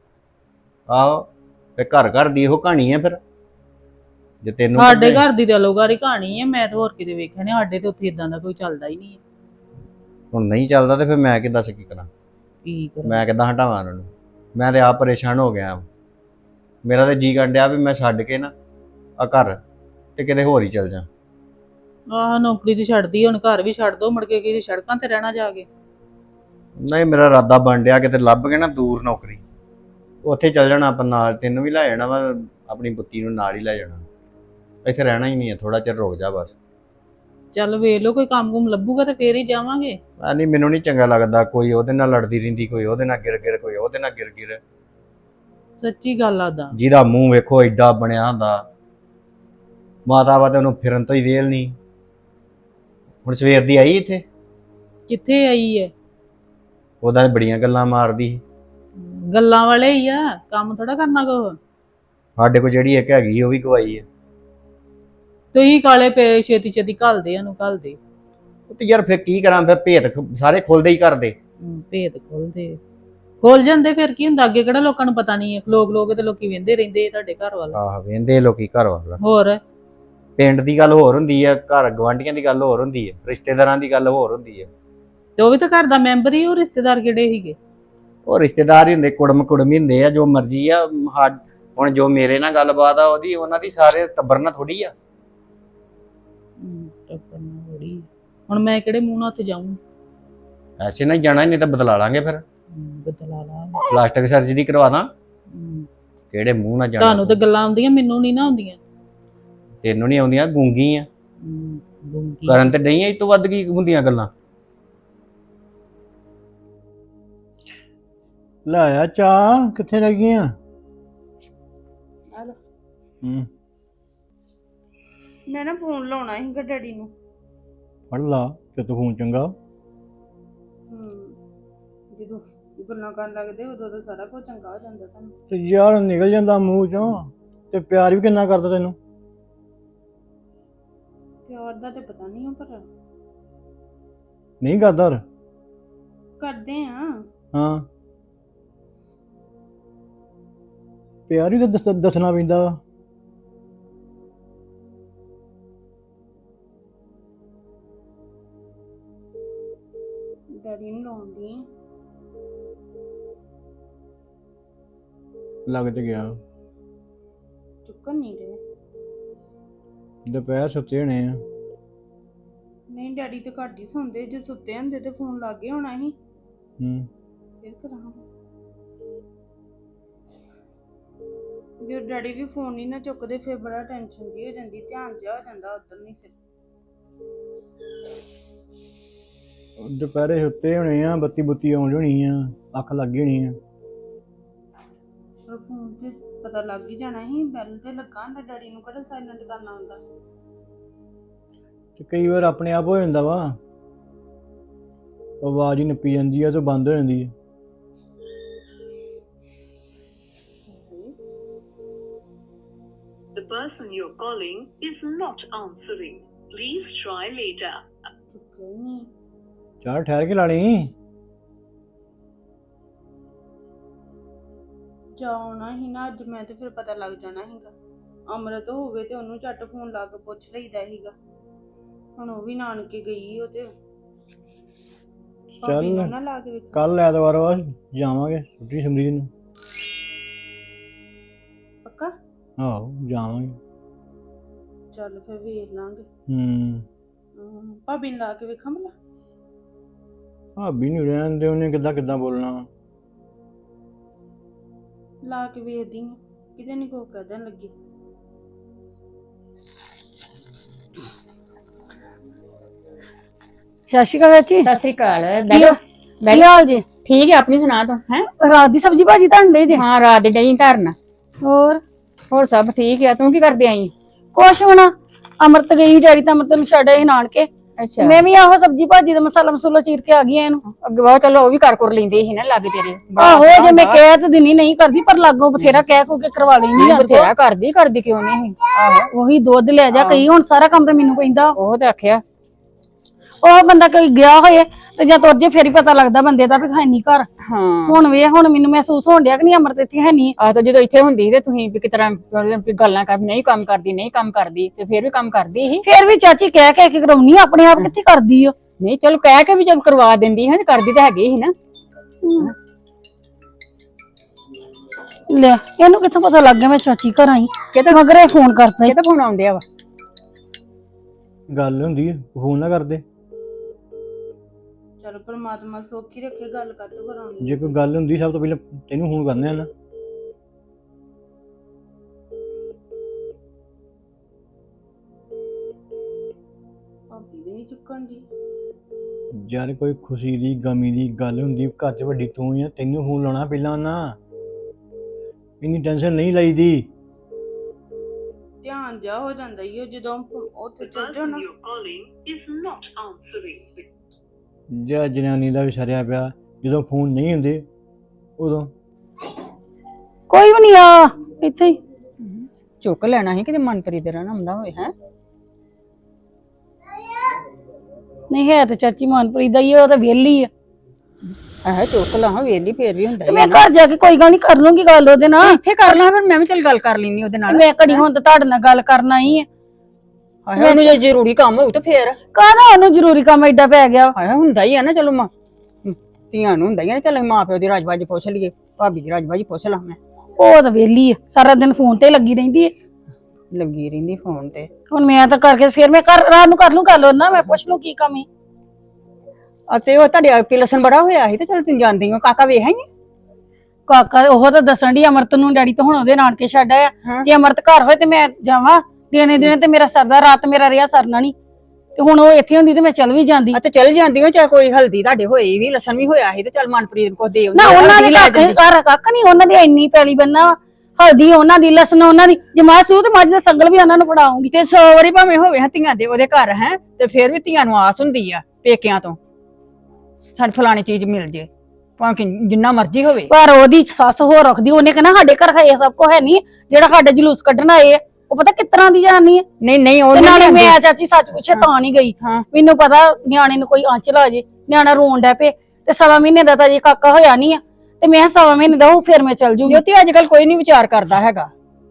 Speaker 2: ਆਹੋ ਤੇ ਘਰ ਘਰ ਦੀ ਇਹੋ ਕਹਾਣੀ ਹੈ ਫਿਰ। ਜੇ ਤੈਨੂੰ
Speaker 1: ਸਾਡੇ ਘਰ ਦੀ ਤੇ ਅਲੋਗਾਰੀ ਕਹਾਣੀ ਹੈ, ਮੈਂ ਤਾਂ ਹੋਰ ਕਿਤੇ ਵੇਖਿਆ ਨਹੀਂ। ਸਾਡੇ ਤੇ ਉੱਥੇ ਇਦਾਂ ਦਾ ਕੋਈ ਚੱਲਦਾ ਹੀ ਨਹੀਂ ਹੈ।
Speaker 2: ਹੁਣ ਨਹੀਂ ਚੱਲਦਾ ਤੇ ਫਿਰ ਮੈਂ ਕਿੱਦਾਂ ਕੀ ਕਰਾਂ?
Speaker 1: ਕੀ ਕਰਾਂ?
Speaker 2: ਮੈਂ ਕਿੱਦਾਂ ਹਟਾਵਾਂ ਉਹਨਾਂ ਨੂੰ? ਮੈਂ ਤੇ ਆਪ ਪਰੇਸ਼ਾਨ ਹੋ ਗਿਆ। ਮੇਰਾ ਤੇ ਜੀ ਕਰਨ ਡਿਆ ਵੀ ਮੈਂ ਛੱਡ ਕੇ ਨਾ ਆ ਘਰ ਤੇ ਕਿਤੇ ਹੋਰ ਹੀ ਚੱਲ ਜਾ।
Speaker 1: ਆਹ ਨੌਕਰੀ ਤੇ ਛੱਡਦੀ, ਹੁਣ ਘਰ ਵੀ ਛੱਡ ਦੋ, ਮੁੜ ਕੇ ਕਿਤੇ ਸੜਕਾਂ ਤੇ ਰਹਿਣਾ ਜਾ ਕੇ।
Speaker 2: ਨਹੀਂ ਮੇਰਾ ਇਰਾਦਾ ਬਣ ਡਿਆ ਕਿਤੇ ਲੱਭ ਕੇ ਨਾ ਦੂਰ ਨੌਕਰੀ, ਉੱਥੇ ਚੱਲ ਜਾਣਾ ਆਪਾਂ ਨਾਲ। ਤੈਨੂੰ ਵੀ ਲੈ ਜਾਣਾ ਵਾ, ਆਪਣੀ ਬੁੱਤੀ ਨੂੰ ਨਾਲ ਹੀ ਲੈ ਜਾਣਾ। ਇੱਥੇ ਰਹਿਣਾ ਹੀ ਨਹੀਂ ਹੈ, ਥੋੜਾ ਚਿਰ ਰੁਕ ਜਾ ਬਸ।
Speaker 1: ਚੱਲ ਵੇਖ ਲਓ ਕੋਈ ਕੰਮ ਕੁਮ ਲੱਭੂਗਾ ਤੇ ਫੇਰ ਹੀ ਜਾਵਾਂਗੇ।
Speaker 2: ਆ ਨਹੀਂ, ਮੈਨੂੰ ਨਹੀਂ ਚੰਗਾ ਲੱਗਦਾ ਕੋਈ ਉਹਦੇ ਨਾਲ ਲੜਦੀ ਰਹਿੰਦੀ, ਕੋਈ ਉਹਦੇ ਨਾਲ ਗਿਰ ਗਿਰ, ਕੋਈ ਉਹਦੇ ਨਾਲ ਗਿਰ ਗਿਰ।
Speaker 1: ਸੱਚੀ ਗੱਲ ਆਦਾ।
Speaker 2: ਜਿਹਦਾ ਮੂੰਹ ਵੇਖੋ ਏਡਾ ਬਣਿਆ ਹੁੰਦਾ, ਮਾਤਾ ਵਾ ਤੇ ਉਹਨੂੰ ਫਿਰਨ ਤੋਂ ਹੀ ਵੇਲ ਨਹੀਂ। ਹੁਣ ਸਵੇਰ ਦੀ ਆਈ ਇੱਥੇ?
Speaker 1: ਕਿੱਥੇ ਆਈ ਹੈ?
Speaker 2: ਉਹਦਾ ਬੜੀਆਂ ਗੱਲਾਂ ਮਾਰਦੀ।
Speaker 1: ਗੱਲਾਂ ਵਾਲੇ ਹੀ ਆ, ਕੰਮ ਥੋੜਾ ਕਰਨਾ ਕੋ।
Speaker 2: ਸਾਡੇ ਕੋਲ ਜਿਹੜੀ ਇੱਕ ਹੈਗੀ ਉਹ ਵੀ ਗਵਾਈ ਹੈ।
Speaker 1: ਤੁਸੀਂ ਕਾਲੇ ਪੇ ਛੇਤੀ ਛੇਤੀ ਘੱਲਦੇ ਉਹਨੂੰ ਘੱਲਦੇ।
Speaker 2: ਤੇ ਯਾਰ ਫਿਰ ਕੀ ਕਰਾਂ? ਫਿਰ ਭੇਤ ਸਾਰੇ ਖੁੱਲਦੇ ਹੀ ਕਰਦੇ।
Speaker 1: ਭੇਤ ਖੋਲਦੇ ਖੋਲ ਜਾਂਦੇ, ਫਿਰ ਕੀ ਹੁੰਦਾ? ਅੱਗੇ ਕਿਹੜਾ ਲੋਕਾਂ ਨੂੰ ਪਤਾ ਨਹੀਂ ਹੈ? ਲੋਕ ਲੋਕ ਤੇ ਲੋਕੀ ਵਹਿੰਦੇ ਰਹਿੰਦੇ ਤੁਹਾਡੇ ਘਰ ਵੱਲ।
Speaker 2: ਆਹ ਵਹਿੰਦੇ ਲੋਕੀ ਘਰ ਵੱਲ।
Speaker 1: ਹੋਰ
Speaker 2: ਪਿੰਡ ਦੀ ਗੱਲ ਹੋਰ ਹੁੰਦੀ ਹੈ, ਘਰ ਗਵਾਂਢੀਆਂ ਦੀ ਗੱਲ ਹੋਰ ਹੁੰਦੀ ਹੈ, ਰਿਸ਼ਤੇਦਾਰਾਂ ਦੀ ਗੱਲ ਹੋਰ ਹੁੰਦੀ ਹੈ।
Speaker 1: ਤੇ ਉਹ ਵੀ ਤਾਂ ਘਰ ਦਾ ਮੈਂਬਰ ਹੀ। ਉਹ ਰਿਸ਼ਤੇਦਾਰ ਕਿਹੜੇ ਸੀਗੇ?
Speaker 2: ਉਹ ਰਿਸ਼ਤੇਦਾਰ ਹੀ ਹੁੰਦੇ, ਕੁੜਮ ਕੁੜਮ ਹੀ ਹੁੰਦੇ ਆ, ਜੋ ਮਰਜ਼ੀ ਆ। ਹੁਣ ਜੋ ਮੇਰੇ ਨਾਲ ਗੱਲਬਾਤ ਆ ਉਹਦੀ ਉਹਨਾਂ ਦੀ ਸਾਰੇ ਟੱਬਰ ਨਾਲ ਥੋੜੀ ਆ।
Speaker 1: ਹੁਣ ਮੈਂ ਕਿਹੜੇ ਮੂੰਹ ਨਾਲ ਉੱਥੇ ਜਾਊਂ?
Speaker 2: ਐਸੇ ਨਾਲ ਜਾਣਾ, ਨਹੀਂ ਤਾਂ ਬਦਲਾ ਲਾਂਗੇ ਫਿਰ।
Speaker 1: ਬਦਲਾ ਲਾ।
Speaker 2: ਪਲਾਸਟਿਕ ਸਰਜਰੀ ਕਰਵਾ ਦਾਂ। ਕਿਹੜੇ ਮੂੰਹ ਨਾਲ ਜਾਣਾ?
Speaker 1: ਤੁਹਾਨੂੰ ਤੇ ਗੱਲਾਂ ਆਉਂਦੀਆਂ, ਮੈਨੂੰ ਨਹੀਂ ਨਾ ਆਉਂਦੀਆਂ।
Speaker 2: ਤੈਨੂੰ ਨਹੀਂ ਆਉਂਦੀਆਂ, ਗੂੰਗੀ ਆ। ਕਰਨ ਤੇ ਨਹੀਂ, ਇਸ ਤੋਂ ਵੱਧ ਕੀ ਹੁੰਦੀਆਂ ਗੱਲਾਂ।
Speaker 3: ਲਾਇਆ ਚਾਹ ਕਿੱਥੇ ਲੱਗੀਆਂ?
Speaker 4: ਹਲੋ
Speaker 3: ਹੂੰ
Speaker 4: ਮੈਂ ਨਾ ਫੋਨ ਲਾਉਣਾ ਸੀਗਾ ਡੈਡੀ ਨੂੰ।
Speaker 3: ਫੜ ਲਾ ਤੇ ਤੂੰ ਫੋਨ ਚੰਗਾ।
Speaker 4: ਹੂੰ ਜਦੋਂ ਗੱਲਾਂ ਕਰਨ ਲੱਗਦੇ ਉਦੋਂ ਤਾਂ ਸਾਰਾ ਕੁਝ ਚੰਗਾ ਹੋ ਜਾਂਦਾ ਤੁਹਾਨੂੰ।
Speaker 3: ਤੇ ਯਾਰ ਨਿਕਲ ਜਾਂਦਾ ਮੂੰਹ ਚੋਂ, ਤੇ ਪਿਆਰ ਵੀ ਕਿੰਨਾ ਕਰਦਾ ਤੈਨੂੰ।
Speaker 4: ਪਿਆਰ ਦਾ ਤੇ ਪਤਾ ਨਹੀਂ ਪਰ
Speaker 3: ਨਹੀਂ ਕਰਦਾ।
Speaker 4: ਕਰਦੇ ਆ।
Speaker 3: ਹਾਂ ਪਿਆਰ ਹੀ ਤਾਂ ਦੱਸ ਦੱਸਣਾ ਪੈਂਦਾ ਵਾ।
Speaker 4: ਡੈਡੀ ਨੂੰ ਲਾਉਂਦੀ ਆ।
Speaker 3: ਲੱਗ ਤੇ ਗਿਆ।
Speaker 4: ਚੁੱਕਣ ਨਹੀਂ ਰਹੇ।
Speaker 3: ਦੁਪਹਿਰ ਸੁੱਤੇ ਹੋਣੇ ਆ।
Speaker 4: ਨਹੀਂ ਡੈਡੀ ਤੇ ਘੱਟ ਹੀ ਸੌਂਦੇ, ਜੇ ਸੁੱਤੇ ਹੁੰਦੇ ਤੇ ਫੋਨ ਲੱਗੇ ਹੋਣਾ ਸੀ।
Speaker 3: ਹੂੰ
Speaker 4: ਫਿਰ ਕਰਾਂ ਜੇ ਡੈਡੀ ਵੀ ਫੋਨ ਨਹੀਂ ਨਾ ਚੁੱਕਦੇ ਫਿਰ ਬੜਾ ਟੈਨਸ਼ਨ ਜੀ ਹੋ ਜਾਂਦੀ, ਧਿਆਨ ਜਿਹਾ ਹੋ ਜਾਂਦਾ ਉਧਰ ਨਹੀਂ। ਫਿਰ
Speaker 3: ਦੁਪਹਿਰੇ ਸੁੱਤੇ ਹੋਣੇ ਆ, ਬੱਤੀ ਬੁੱਤੀ ਆਉਣ ਹੋਣੀ ਆ, ਅੱਖ ਲੱਗ ਗਈ ਹੋਣੀ ਆ।
Speaker 4: ਪਰ ਫੋਨ ਤੇ ਪਤਾ ਲੱਗ ਹੀ ਜਾਣਾ ਸੀ, ਬੈਲ ਤੇ ਲੱਗਾ ਹੁੰਦਾ। ਡੈਡੀ ਨੂੰ ਕਿਹੜਾ ਸਾਇਲੈਂਟ ਕਰਨਾ ਹੁੰਦਾ।
Speaker 3: ਤੇ ਕਈ ਵਾਰ ਆਪਣੇ ਆਪ ਹੋ ਜਾਂਦਾ ਵਾ। ਆਵਾਜ਼ ਹੀ ਨੱਪੀ ਜਾਂਦੀ ਆ ਤੇ ਬੰਦ ਹੋ ਜਾਂਦੀ ਹੈ।
Speaker 5: The person you're calling is not answering. Please try later.
Speaker 4: ਚੁੱਕਿਆ ਹੀ ਨਹੀਂ।
Speaker 3: ਚੱਲ ਠਹਿਰ ਕੇ ਲਾ ਲਈ।
Speaker 4: ਜਾਉਣਾ ਹੀ ਨਾ ਅੱਜ ਮੈਂ ਤੇ ਫਿਰ ਪਤਾ ਲੱਗ ਜਾਣਾ ਸੀਗਾ। ਅਮਰਤ ਹੋਵੇ ਤੇ ਉਹਨੂੰ ਝੱਟ ਫੋਨ ਲਾ ਕੇ ਪੁੱਛ ਲਈਦਾ ਸੀਗਾ। ਹੁਣ ਉਹ ਵੀ ਨਾਨਕੇ ਗਈ ਉਹ ਤੇ ਭਾਬੀ ਨੂੰ ਨਾ ਲਾ ਕੇ ਵੇਖ।
Speaker 3: ਕੱਲ ਐਤਵਾਰ ਵਾ ਜਾਵਾਂਗੇ ਛੁੱਟੀ ਸਮਰੀਤ ਨੂੰ।
Speaker 4: ਪੱਕਾ?
Speaker 3: ਆਹੋ ਜਾਵਾਂਗੇ।
Speaker 4: ਚੱਲ ਫਿਰ ਵੇਖ ਲਾਂਗੇ।
Speaker 3: ਹੂੰ
Speaker 4: ਹਮ, ਭਾਬੀ ਨੂੰ ਲਾ ਕੇ ਵੇਖਾਂ ਭਲਾ।
Speaker 3: ਭਾਬੀ ਨੂੰ ਰਹਿਣ ਦੇ, ਉਹਨੇ ਕਿੱਦਾਂ ਕਿੱਦਾਂ ਬੋਲਣਾ।
Speaker 4: ਲਾ ਕੇ ਵੇਖਦੀ ਹਾਂ ਕਿਤੇ ਨਹੀਂ ਕੋ ਕਹਿਣ ਲੱਗੀ।
Speaker 6: ਸਤਿ ਸ਼੍ਰੀ ਅਕਾਲ ਚਾਚੀ।
Speaker 7: ਸਤਿ ਸ੍ਰੀ ਅਕਾਲ।
Speaker 6: ਕੀ
Speaker 7: ਬੈਠੋ
Speaker 6: ਕੀ
Speaker 7: ਬੈਠੋ।
Speaker 6: ਹਾਲ ਜੀ?
Speaker 7: ਠੀਕ ਹੈ, ਆਪਣੀ ਸੁਣਾ ਤੂੰ ਹੈ?
Speaker 6: ਰਾਤ ਦੀ ਸਬਜ਼ੀ ਭਾਜੀ ਧੰਦੇ ਜੇ?
Speaker 7: ਹਾਂ, ਰਾਤ ਦੇ ਡਈ ਧਰਨ।
Speaker 6: ਹੋਰ
Speaker 7: ਹੋਰ ਸਭ ਠੀਕ ਆ। ਤੂੰ ਕੀ ਕਰਦੀ ਆਈ?
Speaker 6: ਕੁਛ ਹੋਣਾ, ਅਮਰਤ ਗਈ ਡੈਡੀ ਤਾਂ ਅਮਰਤ ਨੂੰ ਛੱਡ ਆਏ ਨਾਨਕੇ।
Speaker 7: ਅੱਛਾ,
Speaker 6: ਮੈਂ ਵੀ ਆਹੋ ਸਬਜ਼ੀ ਭਾਜੀ ਦਾ ਮਸਾਲਾ ਮਸੂਲਾ ਚੀਰ ਕੇ ਆ ਗਈ ਆ ਇਹਨੂੰ।
Speaker 7: ਅੱਗੇ ਬਹੁਤ ਚਲੋ ਉਹ ਵੀ ਕਰ ਕਰ ਲੈਂਦੀ ਸੀ ਨਾ ਲਾਗੇ ਤੇਰੇ। ਬੜਾ
Speaker 6: ਆਹੋ
Speaker 7: ਸੋਹਣਾ
Speaker 6: ਜੇ ਮੈਂ
Speaker 7: ਹੁੰਦਾ।
Speaker 6: ਕਹਿ ਤੇ ਦਿਨੀ ਨਹੀਂ ਕਰਦੀ, ਪਰ ਲਾਗੋਂ ਬਥੇਰਾ ਕਹਿ ਕੋ ਕੇ ਕਰਵਾ ਲੈਂਦੀ ਆ।
Speaker 7: ਬਥੇਰਾ ਕਰਦੀ ਕਰਦੀ ਕਿਉਂ ਨਹੀਂ? ਆਹੋ
Speaker 6: ਉਹੀ ਦੁੱਧ ਲੈ ਜਾ ਕਈ, ਹੁਣ ਸਾਰਾ ਕੰਮ ਤਾਂ ਮੈਨੂੰ ਪੈਂਦਾ।
Speaker 7: ਉਹ ਤਾਂ ਆਖਿਆ।
Speaker 6: ਉਹ ਬੰਦਾ ਕੋਈ ਗਿਆ ਹੋਏ ਤੇ ਜਾਂ ਤੁਰ ਜੇ ਫੇਰ ਹੀ ਪਤਾ ਲੱਗਦਾ ਬੰਦੇ ਦਾ ਵੀ ਹੈ ਨਹੀਂ ਘਰ।
Speaker 7: ਹਾਂ,
Speaker 6: ਹੁਣ ਵੇ ਹੁਣ ਮੈਨੂੰ ਮਹਿਸੂਸ ਹੋਣ ਡਿਆ ਕਿ ਨਹੀਂ ਅਮਰਤ ਇੱਥੇ ਹੈ ਨਹੀਂ।
Speaker 7: ਆ ਤਾਂ ਜਦੋਂ ਇੱਥੇ ਹੁੰਦੀ ਸੀ ਤੇ ਤੁਸੀਂ ਵੀ ਕਿਸ ਤਰ੍ਹਾਂ ਵੀ ਗੱਲਾਂ ਕਰ, ਨਹੀਂ ਕੰਮ ਕਰਦੀ ਨਹੀਂ ਕੰਮ ਕਰਦੀ, ਤੇ ਫਿਰ ਵੀ ਕੰਮ ਕਰਦੀ ਸੀ।
Speaker 6: ਫੇਰ ਵੀ ਚਾਚੀ ਕਹਿ ਕਹਿ ਕੇ ਕਰਾਉਣੀ ਆ, ਆਪਣੇ ਆਪ ਕਿੱਥੇ ਕਰਦੀ ਓ।
Speaker 7: ਨਹੀਂ ਚਲੋ ਕਹਿ ਕੇ ਵੀ ਜਦ ਕਰਵਾ ਦਿੰਦੀ ਹੈ ਤੇ ਕਰਦੀ ਤਾਂ ਹੈਗੀ ਸੀ ਨਾ।
Speaker 6: ਲੈ ਇਹਨੂੰ ਕਿੱਥੋਂ ਪਤਾ ਲੱਗ ਗਿਆ ਮੈਂ ਚਾਚੀ ਘਰ ਆਈ?
Speaker 7: ਕਿਤੇ
Speaker 6: ਮਗਰ ਇਹ ਫੋਨ ਕਰਤਾ ਈ।
Speaker 7: ਕਿਤੇ ਫੋਨ ਆਉਂਦਿਆ ਵਾ।
Speaker 3: ਗੱਲ ਹੁੰਦੀ ਹੈ, ਫੋਨ ਨਾ ਕਰਦੇ।
Speaker 4: ਚਲ ਪਰਮਾਤਮਾ ਸੌਖੀ ਰੱਖੇ, ਗੱਲ ਕਰ ਤੋ ਕਰਾਉਣੀ।
Speaker 3: ਜੇ ਕੋਈ ਗੱਲ ਹੁੰਦੀ ਸਭ ਤੋਂ ਪਹਿਲਾਂ ਤੈਨੂੰ ਫੋਨ ਕਰਨੇ ਆ ਨਾ।
Speaker 4: ਭਾਬੀ ਵੀ ਨਹੀਂ ਚੁੱਕਣ ਦੀ।
Speaker 3: ਯਾਰ ਕੋਈ ਖੁਸ਼ੀ ਦੀ ਗਮੀ ਦੀ ਗੱਲ ਹੁੰਦੀ, ਘਰ 'ਚ ਵੱਡੀ ਤੂੰ ਹੀ ਆ, ਤੈਨੂੰ ਫੋਨ ਲਾਉਣਾ ਪਹਿਲਾਂ ਨਾ। ਇੰਨੀ ਟੈਨਸ਼ਨ ਨਹੀਂ ਲਈਦੀ।
Speaker 4: ਧਿਆਨ ਜਾ ਹੋ ਜਾਂਦਾ ਈ ਉਹ ਜਦੋਂ ਉੱਥੇ
Speaker 5: The
Speaker 4: ਚੱਲ ਜਾਓ
Speaker 5: person
Speaker 4: ਨਾ।
Speaker 5: you're calling is not answering.
Speaker 3: ਜਾਂ ਜਨਾਨੀ ਦਾ ਵੀ ਸਰਿਆ ਪਿਆ, ਜਦੋਂ ਫੋਨ ਨਹੀਂ ਹੁੰਦੇ ਉਦੋਂ।
Speaker 6: ਕੋਈ ਵੀ ਨਹੀਂ ਆ ਇੱਥੇ ਹੀ।
Speaker 7: ਚੁੱਕ ਲੈਣਾ ਸੀ ਕਿਤੇ ਮਨਪ੍ਰੀਤ ਦੇ ਰਹਿਣਾ ਹੁੰਦਾ ਹੋਏ ਹੈ।
Speaker 6: ਨਹੀਂ ਹੈ ਤੇ ਚਾਚੀ ਮਨਪ੍ਰੀਤ ਦਾ ਹੀ ਆ, ਉਹ ਤਾਂ ਵਿਹਲੀ ਆ।
Speaker 7: ਆਹ ਚੁੱਕ ਲਾ ਵੇਲੀ ਫੇਰ ਵੀ ਹੁੰਦਾ
Speaker 6: ਤੇ
Speaker 7: ਹੀ
Speaker 6: ਮੈਂ
Speaker 7: ਆ ਨਾ।
Speaker 6: ਘਰ ਜਾ ਕੇ ਕੋਈ ਗੱਲ ਨਹੀਂ ਕਰ ਲੂੰਗੀ ਗੱਲ ਉਹਦੇ ਨਾਲ।
Speaker 7: ਇੱਥੇ ਕਰ ਲਾ ਫਿਰ, ਮੈਂ ਵੀ ਚੱਲ ਗੱਲ ਕਰ ਲੈਣੀ ਉਹਦੇ ਨਾਲ।
Speaker 6: ਮੈਂ ਘੜੀ ਹੁਣ ਤਾਂ ਤੁਹਾਡੇ ਨਾਲ ਗੱਲ ਕਰਨਾ ਹੀ ਆ।
Speaker 7: ਆਹ ਉਹਨੂੰ ਜੇ ਜ਼ਰੂਰੀ ਕੰਮ ਹੋਊ ਤੇ ਫੇਰ
Speaker 6: ਕਾਹਦਾ ਉਹਨੂੰ ਜ਼ਰੂਰੀ ਕੰਮ ਐਡਾ ਪੈ ਗਿਆ?
Speaker 7: ਆਇਆ ਹੁੰਦਾ ਹੀ ਆ ਨਾ। ਚਲੋ ਮਾਂ ਧੀਆਂ ਨੂੰ ਹੁੰਦਾ ਹੀ ਆ ਨਾ। ਚੱਲ ਮਾਂ ਪਿਓ ਦੀ ਰਾਜਬਾਜੀ ਪੁੱਛ ਲਈਏ, ਭਾਬੀ ਦੀ ਰਾਜਬਾਜੀ ਪੁੱਛ ਲਾ। ਮੈਂ
Speaker 6: ਉਹ ਤਾਂ ਵਿਹਲੀ ਆ, ਸਾਰਾ ਦਿਨ ਫੋਨ ਤੇ ਲੱਗੀ ਰਹਿੰਦੀ ਹੈ।
Speaker 7: ਲੱਗੀ ਰਹਿੰਦੀ ਫੋਨ ਤੇ।
Speaker 6: ਹੁਣ ਮੈਂ ਤਾਂ ਕਰਕੇ ਫਿਰ ਮੈਂ ਘਰ ਰਾਤ ਨੂੰ ਕਰ ਲੂੰ ਗੱਲ ਉਹਨਾਂ, ਮੈਂ ਪੁੱਛ ਲੂੰ ਕੀ ਕੰਮ ਹੈ।
Speaker 7: ਅਤੇ ਉਹ ਤੁਹਾਡੇ ਆਪੇ ਲਸਣ ਬੜਾ ਹੋਇਆ ਸੀ ਤੇ ਚਲ ਤੁਸੀਂ ਜਾਂਦੀ ਹੋ। ਕਾਕਾ ਵੇਖ ਆਈ?
Speaker 6: ਕਾਕਾ ਉਹ ਤਾਂ ਦੱਸਣ ਦੀ ਅਮਰਤ ਨੂੰ ਡੈਡੀ ਤਾਂ ਹੁਣ ਉਹਦੇ ਨਾਨਕੇ ਛੱਡ ਆਇਆ।
Speaker 7: ਹਾਂ।
Speaker 6: ਜੇ ਅਮਰਤ ਘਰ ਹੋਏ ਤੇ ਮੈਂ ਜਾਵਾਂ ਦਿਨੇ ਦਿਨੇ, ਤੇ ਮੇਰਾ ਸਰਦਾ ਰਾਤ ਮੇਰਾ ਰਿਹਾ ਸਰਨਾ ਨਹੀਂ। ਤੇ ਹੁਣ ਉਹ ਇੱਥੇ ਹੁੰਦੀ ਤੇ ਮੈਂ ਚੱਲ ਵੀ ਜਾਂਦੀ।
Speaker 7: ਅਤੇ ਚੱਲ ਜਾਂਦੀ ਹੋ, ਚਾਹੇ ਕੋਈ ਹਲਦੀ ਤੁਹਾਡੇ ਹੋਈ ਵੀ, ਲਸਣ ਵੀ ਹੋਇਆ ਸੀ ਤੇ ਚੱਲ ਮਨਪ੍ਰੀਤ ਨੂੰ ਕੁਝ ਦੇ ਆਉਂਦੀ।
Speaker 6: ਨਾ ਉਹਨਾਂ ਦੇ
Speaker 7: ਲੈ
Speaker 6: ਘਰ
Speaker 7: ਜਾਂਦੀ।
Speaker 6: ਘਰ ਕੱਖ ਨਹੀਂ, ਉਹਨਾਂ ਦੀ ਇੰਨੀ ਪੈਲੀ ਬੰਨਾ, ਹਲਦੀ ਉਹਨਾਂ ਦੀ, ਲਸਣ ਉਹਨਾਂ ਦੀ। ਜੇ ਮਾਂ ਸੂ ਤੇ ਮੱਝ ਦਾ ਸੰਗਲ ਵੀ ਉਹਨਾਂ ਨੂੰ ਫੜਾਉਂਗੀ।
Speaker 7: ਤੇ ਸੌ ਵਾਰੀ ਭਾਵੇਂ ਹੋਵੇ ਹਾਂ ਧੀਆਂ ਦੇ ਉਹਦੇ ਘਰ ਹੈ, ਤੇ ਫਿਰ ਵੀ ਧੀਆਂ ਨੂੰ ਆਸ ਹੁੰਦੀ ਆ ਪੇਕਿਆਂ ਤੋਂ ਸਾਡੇ ਫਲਾਣੀ ਚੀਜ਼ ਮਿਲ ਜੇ, ਭਾਵੇਂ ਜਿੰਨਾ ਮਰਜ਼ੀ ਹੋਵੇ।
Speaker 6: ਪਰ ਉਹਦੀ ਸੱਸ ਹੋਰ ਰੱਖਦੀ, ਉਹਨੇ ਕਹਿਣਾ ਸਾਡੇ ਘਰ ਹੈ ਸਭ ਕੁਝ ਹੈ ਨਹੀਂ, ਜਿਹੜਾ ਸਾਡੇ ਜਲੂਸ ਕੱਢਣ ਆਏ ਆ ਉਹ ਪਤਾ ਕਿਸ ਤਰ੍ਹਾਂ ਦੀ ਜਾਨੀ ਹੈ।
Speaker 7: ਨਹੀਂ ਨਹੀਂ ਉਹ
Speaker 6: ਤੇ
Speaker 7: ਨਹੀਂ
Speaker 6: ਨਾਲੇ
Speaker 7: ਆਉਂਦੀ।
Speaker 6: ਮੈਂ ਚਾਚੀ ਸੱਚ ਪੁੱਛੇ ਤਾਂ ਨਹੀਂ ਗਈ।
Speaker 7: ਹਾਂ।
Speaker 6: ਮੈਨੂੰ ਪਤਾ ਨਿਆਣੇ ਨੂੰ ਕੋਈ ਆਂਚ ਲਾ ਜੇ, ਨਿਆਣਾ ਰੋਣ ਡੈ ਪਏ, ਤੇ ਸਵਾ ਮਹੀਨੇ ਦਾ ਤਾਂ ਜੇ ਕਾਕਾ ਹੋਇਆ ਨਹੀਂ ਆ, ਤੇ ਮੈਂ ਸਵਾ ਮਹੀਨੇ ਦਾ ਉਹ ਫਿਰ ਮੈਂ ਚੱਲ ਜੂਗੀ।
Speaker 7: ਜੋਤੀ ਅੱਜ ਕੱਲ ਕੋਈ ਨਹੀਂ ਵਿਚਾਰ ਕਰਦਾ ਹੈਗਾ।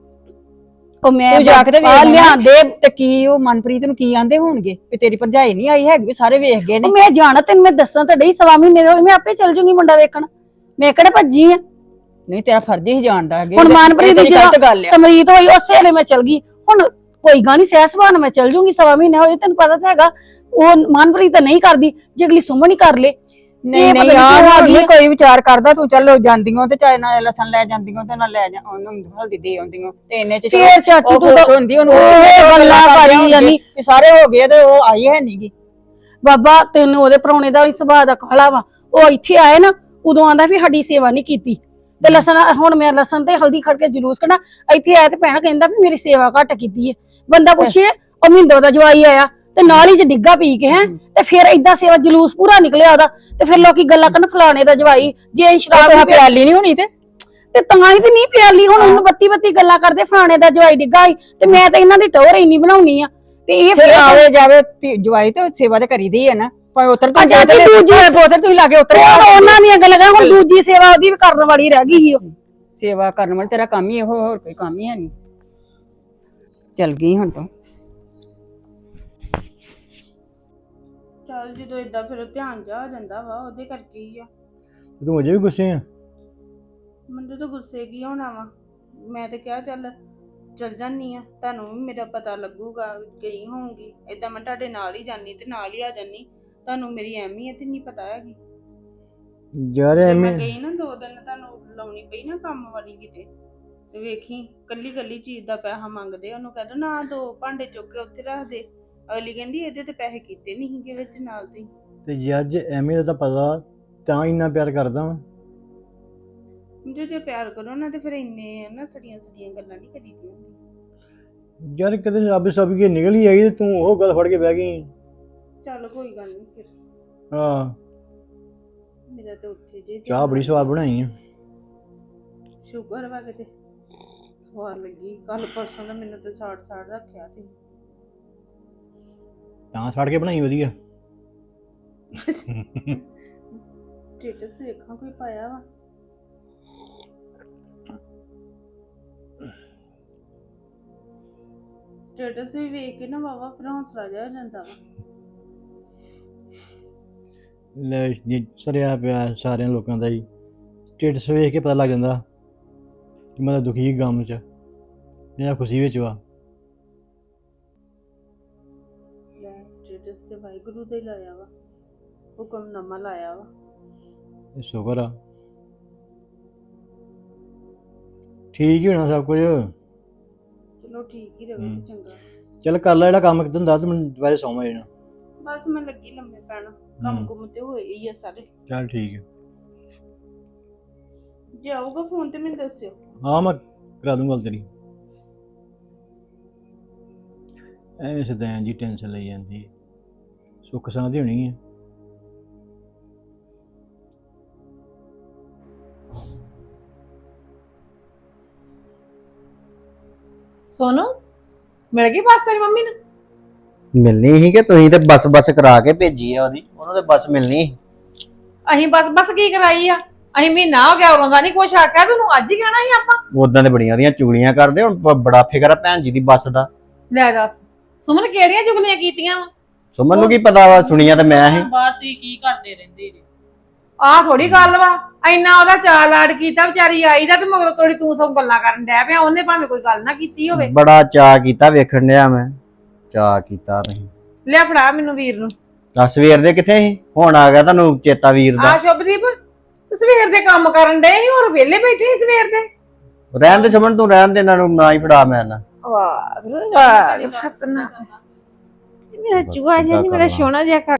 Speaker 6: ਉਹ ਮੈਂ
Speaker 7: ਤੂੰ ਜਾ ਕੇ ਤੇ
Speaker 6: ਆ
Speaker 7: ਵੇਖ
Speaker 6: ਲਿਆਂਦੇ।
Speaker 7: ਤੇ ਕੀ ਉਹ ਮਨਪ੍ਰੀਤ ਨੂੰ ਕੀ ਆਂਦੇ ਹੋਣਗੇ ਵੀ ਤੇਰੀ ਭਰਜਾਈ ਨਹੀਂ ਆਈ ਹੈਗੀ, ਵੀ ਸਾਰੇ ਵੇਖ ਗਏ ਨੇ।
Speaker 6: ਉਹ ਮੈਂ ਜਾਣਾ ਤੈਨੂੰ ਮੈਂ ਦੱਸਾਂ ਤਾਂ ਡਈ, ਸਵਾ ਮਹੀਨੇ ਦਾ ਹੋਈ ਮੈਂ ਆਪੇ ਚੱਲ ਜੂਗੀ ਮੁੰਡਾ ਵੇਖਣ। ਮੈਂ ਕਿਹੜੇ ਭੱਜੀ ਆ?
Speaker 7: ਨਹੀਂ ਤੇਰਾ ਫਰਜ਼ ਹੀ ਜਾਣਦਾ ਹੈਗੇ।
Speaker 6: ਹੁਣ ਮਨਪ੍ਰੀਤ ਦੀ
Speaker 7: ਗਲਤ ਗੱਲ ਆ।
Speaker 6: ਸਮਰੀਤ ਹੋਈ ਉਸੇ ਵੇਲੇ ਮੈਂ ਚੱਲ ਗਈ। ਹੁਣ ਕੋਈ ਗੱਲ ਨਹੀਂ, ਸਹਿ ਸੁਭਾਅ ਨਾਲ ਮੈਂ ਚੱਲ ਜੂਗੀ। ਸਵਾ ਮਹੀਨੇ ਹੋਏ ਤੈਨੂੰ ਪਤਾ ਤਾਂ ਹੈਗਾ, ਉਹ ਮਨਪ੍ਰੀਤ ਤਾਂ ਨਹੀਂ ਕਰਦੀ, ਜੇ ਅਗਲੀ ਸੁਮਨ ਹੀ ਕਰ ਲੇ।
Speaker 7: ਨਹੀਂ ਨਹੀਂ ਯਾਰ ਨਹੀਂ ਕੋਈ ਵਿਚਾਰ ਕਰਦਾ। ਤੂੰ ਚੱਲੋ ਜਾਂਦੀਆਂ ਤੇ ਚਾਹੇ ਨਾ ਲਸਣ ਲੈ ਜਾਂਦੀਆਂ ਤੇ ਨਾ ਲੈ ਜਾ ਉਹਨੂੰ ਹਲਦੀ ਦੇ ਆਉਂਦੀਆਂ ਤੇ ਇੰਨੇ ਚ
Speaker 6: ਫੇਰ ਚਾਚੀ ਤੂੰ ਤਾਂ
Speaker 7: ਹੁੰਦੀ ਉਹਨੂੰ
Speaker 6: ਉਹ ਗੱਲਾਂ ਕਰੀ ਜਾਨੀ।
Speaker 7: ਵੀ ਸਾਰੇ ਹੋ ਗਏ ਤੇ ਉਹ ਆਈ ਹੈ ਨਹੀਂਗੀ।
Speaker 6: ਬਾਬਾ ਤੈਨੂੰ ਉਹਦੇ ਪ੍ਰਾਹੁਣੇ ਦਾ ਵੀ ਸੁਭਾਅ ਦਾ ਕਾਲਾ ਵਾ। ਉਹ ਇੱਥੇ ਆਏ ਨਾ ਉਦੋਂ ਆਂਦਾ ਵੀ ਸਾਡੀ ਸੇਵਾ ਨਹੀਂ ਕੀਤੀ, ਤੇ ਲਸਣ ਹੁਣ ਮੈਂ ਲਸਣ ਤੇ ਹਲਦੀ ਖੜ ਕੇ ਜਲੂਸ ਕੱਢਾਂ। ਇੱਥੇ ਆਇਆ ਤੇ ਭੈਣ ਕਹਿੰਦਾ ਵੀ ਮੇਰੀ ਸੇਵਾ ਘੱਟ ਕੀਤੀ ਹੈ। ਬੰਦਾ ਪੁੱਛੇ ਉਹ ਮਿੰਦੋ ਦਾ ਜਵਾਈ ਆਇਆ ਤੇ ਨਾਲ ਹੀ ਜੇ ਡਿੱਗਾ ਪੀ ਕੇ ਹੈ ਤੇ ਫਿਰ ਏਦਾਂ ਸੇਵਾ ਜਲੂਸ ਪੂਰਾ ਨਿਕਲਿਆ ਉਹਦਾ ਤੇ ਫਿਰ ਲੋਕੀ ਗੱਲਾਂ ਕਰਨ ਫਲਾਣੇ ਦਾ ਜਵਾਈ ਜੇ ਸ਼ਰਾਬ
Speaker 7: ਤੇ
Speaker 6: ਨਹੀਂ ਪਿਆ
Speaker 7: ਪਿਆਲੀ ਨਹੀਂ ਹੋਣੀ ਤੇ
Speaker 6: ਤੇ ਤਾਂ ਹੀ ਤੇ ਨਹੀਂ ਪਿਆਲੀ ਹੁਣ ਉਹਨੂੰ ਬੱਤੀ ਬੱਤੀ ਗੱਲਾਂ ਕਰਦੇ ਫਲਾਣੇ ਦਾ ਜਵਾਈ ਡਿੱਗਾ ਸੀ ਤੇ ਮੈਂ ਤਾਂ ਇਹਨਾਂ ਦੀ ਟੋਰ ਇੰਨੀ ਬਣਾਉਣੀ ਆ ਤੇ ਇਹ
Speaker 7: ਫਿਰ
Speaker 6: ਫਿਰ
Speaker 7: ਆਵੇ ਜਾਵੇ ਧੀ- ਜਵਾਈ ਤੇ ਸੇਵਾ ਤੇ ਕਰੀਦੀ ਹੈ ਨਾ ਭਾਵੇਂ ਉਤਰ ਤੋਂ
Speaker 6: ਅੱਛਾ ਜੀ, ਦੂਜੀ-
Speaker 7: ਬੋਤਲ ਤੁਸੀਂ ਲਾ ਕੇ ਉਤਰ
Speaker 6: ਹੁਣ ਉਹਨਾਂ ਦੀਆਂ ਗੱਲਾਂ ਕਰ, ਹੁਣ ਦੂਜੀ ਸੇਵਾ ਉਹਦੀ ਵੀ ਕਰਨ ਵਾਲੀ ਰਹਿ ਗਈ ਸੀ ਉਹ
Speaker 7: ਸੇਵਾ ਕਰਨ ਵਾਲਾ ਤੇਰਾ ਕੰਮ ਹੀ ਇਹੋ, ਹੋਰ ਕੋਈ ਕੰਮ ਹੀ ਹੈ ਨਹੀਂ। ਚਲ ਗਈ ਹੁਣ ਤੂੰ।
Speaker 4: ਚੱਲ ਜਦੋਂ ਏਦਾਂ ਫਿਰ ਧਿਆਨ ਜਾ ਹੋ ਜਾਂਦਾ ਵਾ ਉਹਦੇ ਕਰਕੇ ਹੀ ਆ।
Speaker 3: ਤੂੰ ਅਜੇ ਵੀ ਗੁੱਸੇ ਆ?
Speaker 4: ਮੈਨੂੰ ਤਾਂ ਗੁੱਸੇ ਕੀ ਹੋਣਾ ਵਾ, ਮੈਂ ਤਾਂ ਕਿਹਾ ਚੱਲ ਚੱਲ ਜਾਨੀ ਆ, ਤੁਹਾਨੂੰ ਵੀ ਮੇਰਾ ਪਤਾ ਲੱਗੂਗਾ, ਗਈ ਹੋਊਗੀ ਏਦਾਂ ਮੈਂ ਤੁਹਾਡੇ ਨਾਲ ਹੀ ਜਾਨੀ ਤੇ ਨਾਲ ਹੀ ਆ ਜਾਨੀ, ਤੁਹਾਨੂੰ ਮੇਰੀ ਅਹਿਮੀਅਤ ਨਹੀਂ ਪਤਾ ਹੈਗੀ।
Speaker 3: ਯਾਰ
Speaker 4: ਜੇ
Speaker 3: ਐਵੇਂ
Speaker 4: ਮੈਂ ਗਈ ਨਾ ਦੋ ਦਿਨ ਤੁਹਾਨੂੰ ਲਾਉਣੀ ਪਈ ਨਾ ਕੰਮ ਵਾਲੀ ਕਿਤੇ ਤੇ ਵੇਖੀ ਕੱਲੀ ਕੱਲੀ ਚੀਜ਼ ਦਾ ਪੈਸਾ ਮੰਗਦੇ, ਉਹਨੂੰ ਕਹਿ ਦੋ ਨਾ ਦੋ ਭਾਂਡੇ ਚੁੱਕ ਕੇ ਉੱਥੇ ਰੱਖ ਦੇ, ਅਗਲੀ ਕਹਿੰਦੀ ਇਹਦੇ ਤੇ ਪੈਸੇ ਕੀਤੇ ਨਹੀਂ ਸੀਗੇ ਵਿੱਚ ਨਾਲ ਦੇ।
Speaker 3: ਤੇ ਯਾਰ ਜੇ ਐਵੇਂ ਦਾ ਤਾਂ ਪਤਾ ਤਾਂ ਇੰਨਾ ਪਿਆਰ ਕਰਦਾ ਵਾਂ।
Speaker 4: ਜੇ ਜੇ ਪਿਆਰ ਕਰੋ ਨਾ ਤੇ ਫਿਰ ਇੰਨੇ ਨਾ ਸੜੀਆਂ ਸੜੀਆਂ ਗੱਲਾਂ ਨਹੀਂ ਕਰੀਦੀਆਂ ਹੁੰਦੀਆਂ।
Speaker 3: ਯਾਰ ਕਿਤੇ ਰੱਬ ਸਭ ਕੀ ਨਿਕਲ ਹੀ ਆਈ ਤੇ ਤੂੰ ਉਹ ਗੱਲ ਫੜ ਕੇ ਬਹਿ ਗਈ।
Speaker 4: ਚੱਲ ਕੋਈ ਗੱਲ ਨਹੀਂ ਫਿਰ,
Speaker 3: ਹਾਂ
Speaker 4: ਮੇਰਾ ਤੇ ਉੱਥੇ ਜੇ
Speaker 3: ਚਾਹ ਬੜੀ ਸਵਾਦ ਬਣਾਈ ਆ।
Speaker 4: ਸ਼ੂਗਰ ਵਾ ਕਿਤੇ ਸਵਾਦ ਲੱਗੀ, ਕੱਲ ਪਰਸੋਂ ਦਾ ਮੈਨੂੰ ਤੇ ਸਾੜ ਸਾੜ ਰੱਖਿਆ ਤੇ
Speaker 3: ਤਾਂ ਛੱਡ ਕੇ ਬਣਾਈ ਵਧੀਆ।
Speaker 4: ਸਟੇਟਸ ਵੇਖਾਂ ਕੋਈ ਪਾਇਆ ਵਾ। ਸਟੇਟਸ ਵੀ ਵੇਖ ਕੇ ਨਾ ਵਾਵਾ ਫਿਰ ਹੌਸਲਾ ਜਿਹਾ ਹੋ ਜਾਂਦਾ ਵਾ।
Speaker 3: ਲੈ ਜੀ ਸਰਿਆ ਪਿਆ ਸਾਰਿਆਂ ਲੋਕਾਂ ਦਾ ਹੀ ਸਟੇਟਸ ਵੇਖ ਕੇ ਪਤਾ ਲੱਗ ਜਾਂਦਾ ਕਿ ਮੈਂ ਤਾਂ ਦੁਖੀ ਗਮ ਚ ਜਾਂ ਖੁਸ਼ੀ ਵਿੱਚ ਵਾ।
Speaker 4: ਲੈ ਸਟੇਟਸ ਤੇ ਵਾਹਿਗੁਰੂ ਦਾ ਹੀ ਲਾਇਆ ਵਾ, ਹੁਕਮਨਾਮਾ ਲਾਇਆ ਵਾ।
Speaker 3: ਇਹ ਸ਼ੁਕਰ ਆ ਠੀਕ ਹੀ ਹੋਣਾ ਸਭ ਕੁਝ।
Speaker 4: ਚਲੋ ਠੀਕ ਹੀ ਰਵੇ ਤੇ ਚੰਗਾ।
Speaker 3: ਚੱਲ ਕਰ ਲੈ ਜਿਹੜਾ ਕੰਮ ਕਿਤੇ ਹੁੰਦਾ ਤੇ ਮੈਨੂੰ ਦੁਬਾਰੇ ਸੌਂ ਜਾਣਾ।
Speaker 4: ਬਸ ਮੈਂ ਲੱਗੀ ਲੰਮੇ ਪੈਣਾ, ਕੰਮ ਕੁਮ ਤੇ ਹੋਏ ਹੀ ਆ ਸਾਰੇ।
Speaker 3: ਚੱਲ ਠੀਕ ਹੈ।
Speaker 4: ਜੇ ਆਊਗਾ ਫੋਨ ਤੇ ਮੈਨੂੰ ਦੱਸਿਓ।
Speaker 3: ਹਾਂ ਮੈਂ ਕਰਾ ਦੂੰਗਾ ਗੱਲ ਤੇਰੀ। ਐਵੇਂ ਸਦਾਂ ਜੀ ਟੈਨਸ਼ਨ ਲਈ ਜਾਂਦੀ ਹੈ, ਸੁੱਖ ਸਾਂ ਦੀ ਹੋਣੀ ਹੈ।
Speaker 1: ਸੋਨੂ ਮਿਲ ਗਈ ਬੱਸ ਤੇਰੀ ਮੰਮੀ ਨੂੰ?
Speaker 2: ਮਿਲਣੀ ਸੀ ਕਿ ਤੁਸੀਂ ਤੇ ਬੱਸ ਬੱਸ ਕਰਾ ਕੇ ਭੇਜੀ ਆ ਉਹਦੀ, ਉਹਨੂੰ ਤੇ ਬੱਸ ਮਿਲਣੀ ਸੀ।
Speaker 1: ਅਸੀਂ ਬਸ ਬਸ ਕੀ ਕਰਾਈ ਆ? ਅਸੀਂ ਮਹੀਨਾ ਹੋ ਗਿਆ ਉਰੋਂ ਦਾ ਨਹੀਂ ਕੁਛ ਆਖਿਆ, ਤੈਨੂੰ ਅੱਜ ਹੀ ਕਹਿਣਾ ਸੀ ਆਪਾਂ।
Speaker 2: ਉਦਾਂ ਤੇ ਬੜੀਆਂ ਉਹਦੀਆਂ ਚੁਗਲੀਆਂ ਕਰਦੇ, ਹੁਣ ਬ- ਬੜਾ ਫਿਕਰ ਆ ਭੈਣ ਜੀ ਦੀ ਬੱਸ ਦਾ।
Speaker 1: ਲੈ ਦੱਸ ਸੁਮਨ ਕਿਹੜੀਆਂ ਚੁਗਲੀਆਂ ਕੀਤੀਆਂ ਵਾ?
Speaker 2: ਸੁਮਨ ਨੂੰ ਕੀ ਪਤਾ ਵਾ, ਸੁਣੀਆਂ ਤੇ ਮੈਂ ਹੀ।
Speaker 1: ਬਾਹਰ ਤੁਸੀਂ ਕੀ ਕਰਦੇ ਰਹਿੰਦੇ ਜੀ? ਆਹ ਥੋੜੀ ਗੱਲ ਵਾ, ਇੰਨਾ ਉਹਦਾ ਚਾਅ ਲਾਡ ਕੀਤਾ, ਵਿਚਾਰੀ ਆਈ ਦਾ ਤੇ ਮਗਰੋਂ ਥੋੜੀ ਤੂੰ ਸਭ ਗੱਲਾਂ ਕਰਨ ਡੈ ਪਿਆ। ਉਹਨੇ ਭਾਵੇਂ ਕੋਈ ਗੱਲ ਨਾ ਕੀਤੀ ਹੋਵੇ।
Speaker 2: ਬੜਾ ਚਾਅ ਕੀਤਾ, ਵੇਖਣ ਡਿਆ ਮੈਂ ਚਾਅ ਕੀਤਾ ਤੁਸੀਂ।
Speaker 1: ਲਿਆ ਫੜਾ ਮੈਨੂੰ ਵੀਰ ਨੂੰ।
Speaker 2: ਆ ਸਵੇਰ ਦੇ ਕਿੱਥੇ ਸੀ, ਹੁਣ ਆ ਗਿਆ ਤੁਹਾਨੂੰ ਚੇਤਾ ਵੀਰ ਦਾ।
Speaker 1: ਆ ਸ਼ੁਭਦੀਪ ਤੂੰ ਸਵੇਰ ਦੇ ਕੰਮ ਕਰਨ ਡਏ ਸੀ, ਹੋਰ ਵਿਹਲੇ ਬੈਠੇ ਸੀ ਸਵੇਰ ਦੇ?
Speaker 2: ਰਹਿਣ ਦੇ ਸੁਮਨ, ਤੂੰ ਰਹਿਣ ਦੇ, ਇਹਨਾਂ ਨੂੰ ਨਾ ਹੀ ਫੜਾ ਮੈਂ ਨਾ।
Speaker 1: ਵਾਹ ਵਾਹ ਸਤਨਾ ਮੇਰਾ ਚੂਹਾ ਜਿਹਾ ਨਹੀਂ, ਮੇਰਾ ਸੋਹਣਾ ਜਿਹਾ ਕਾ।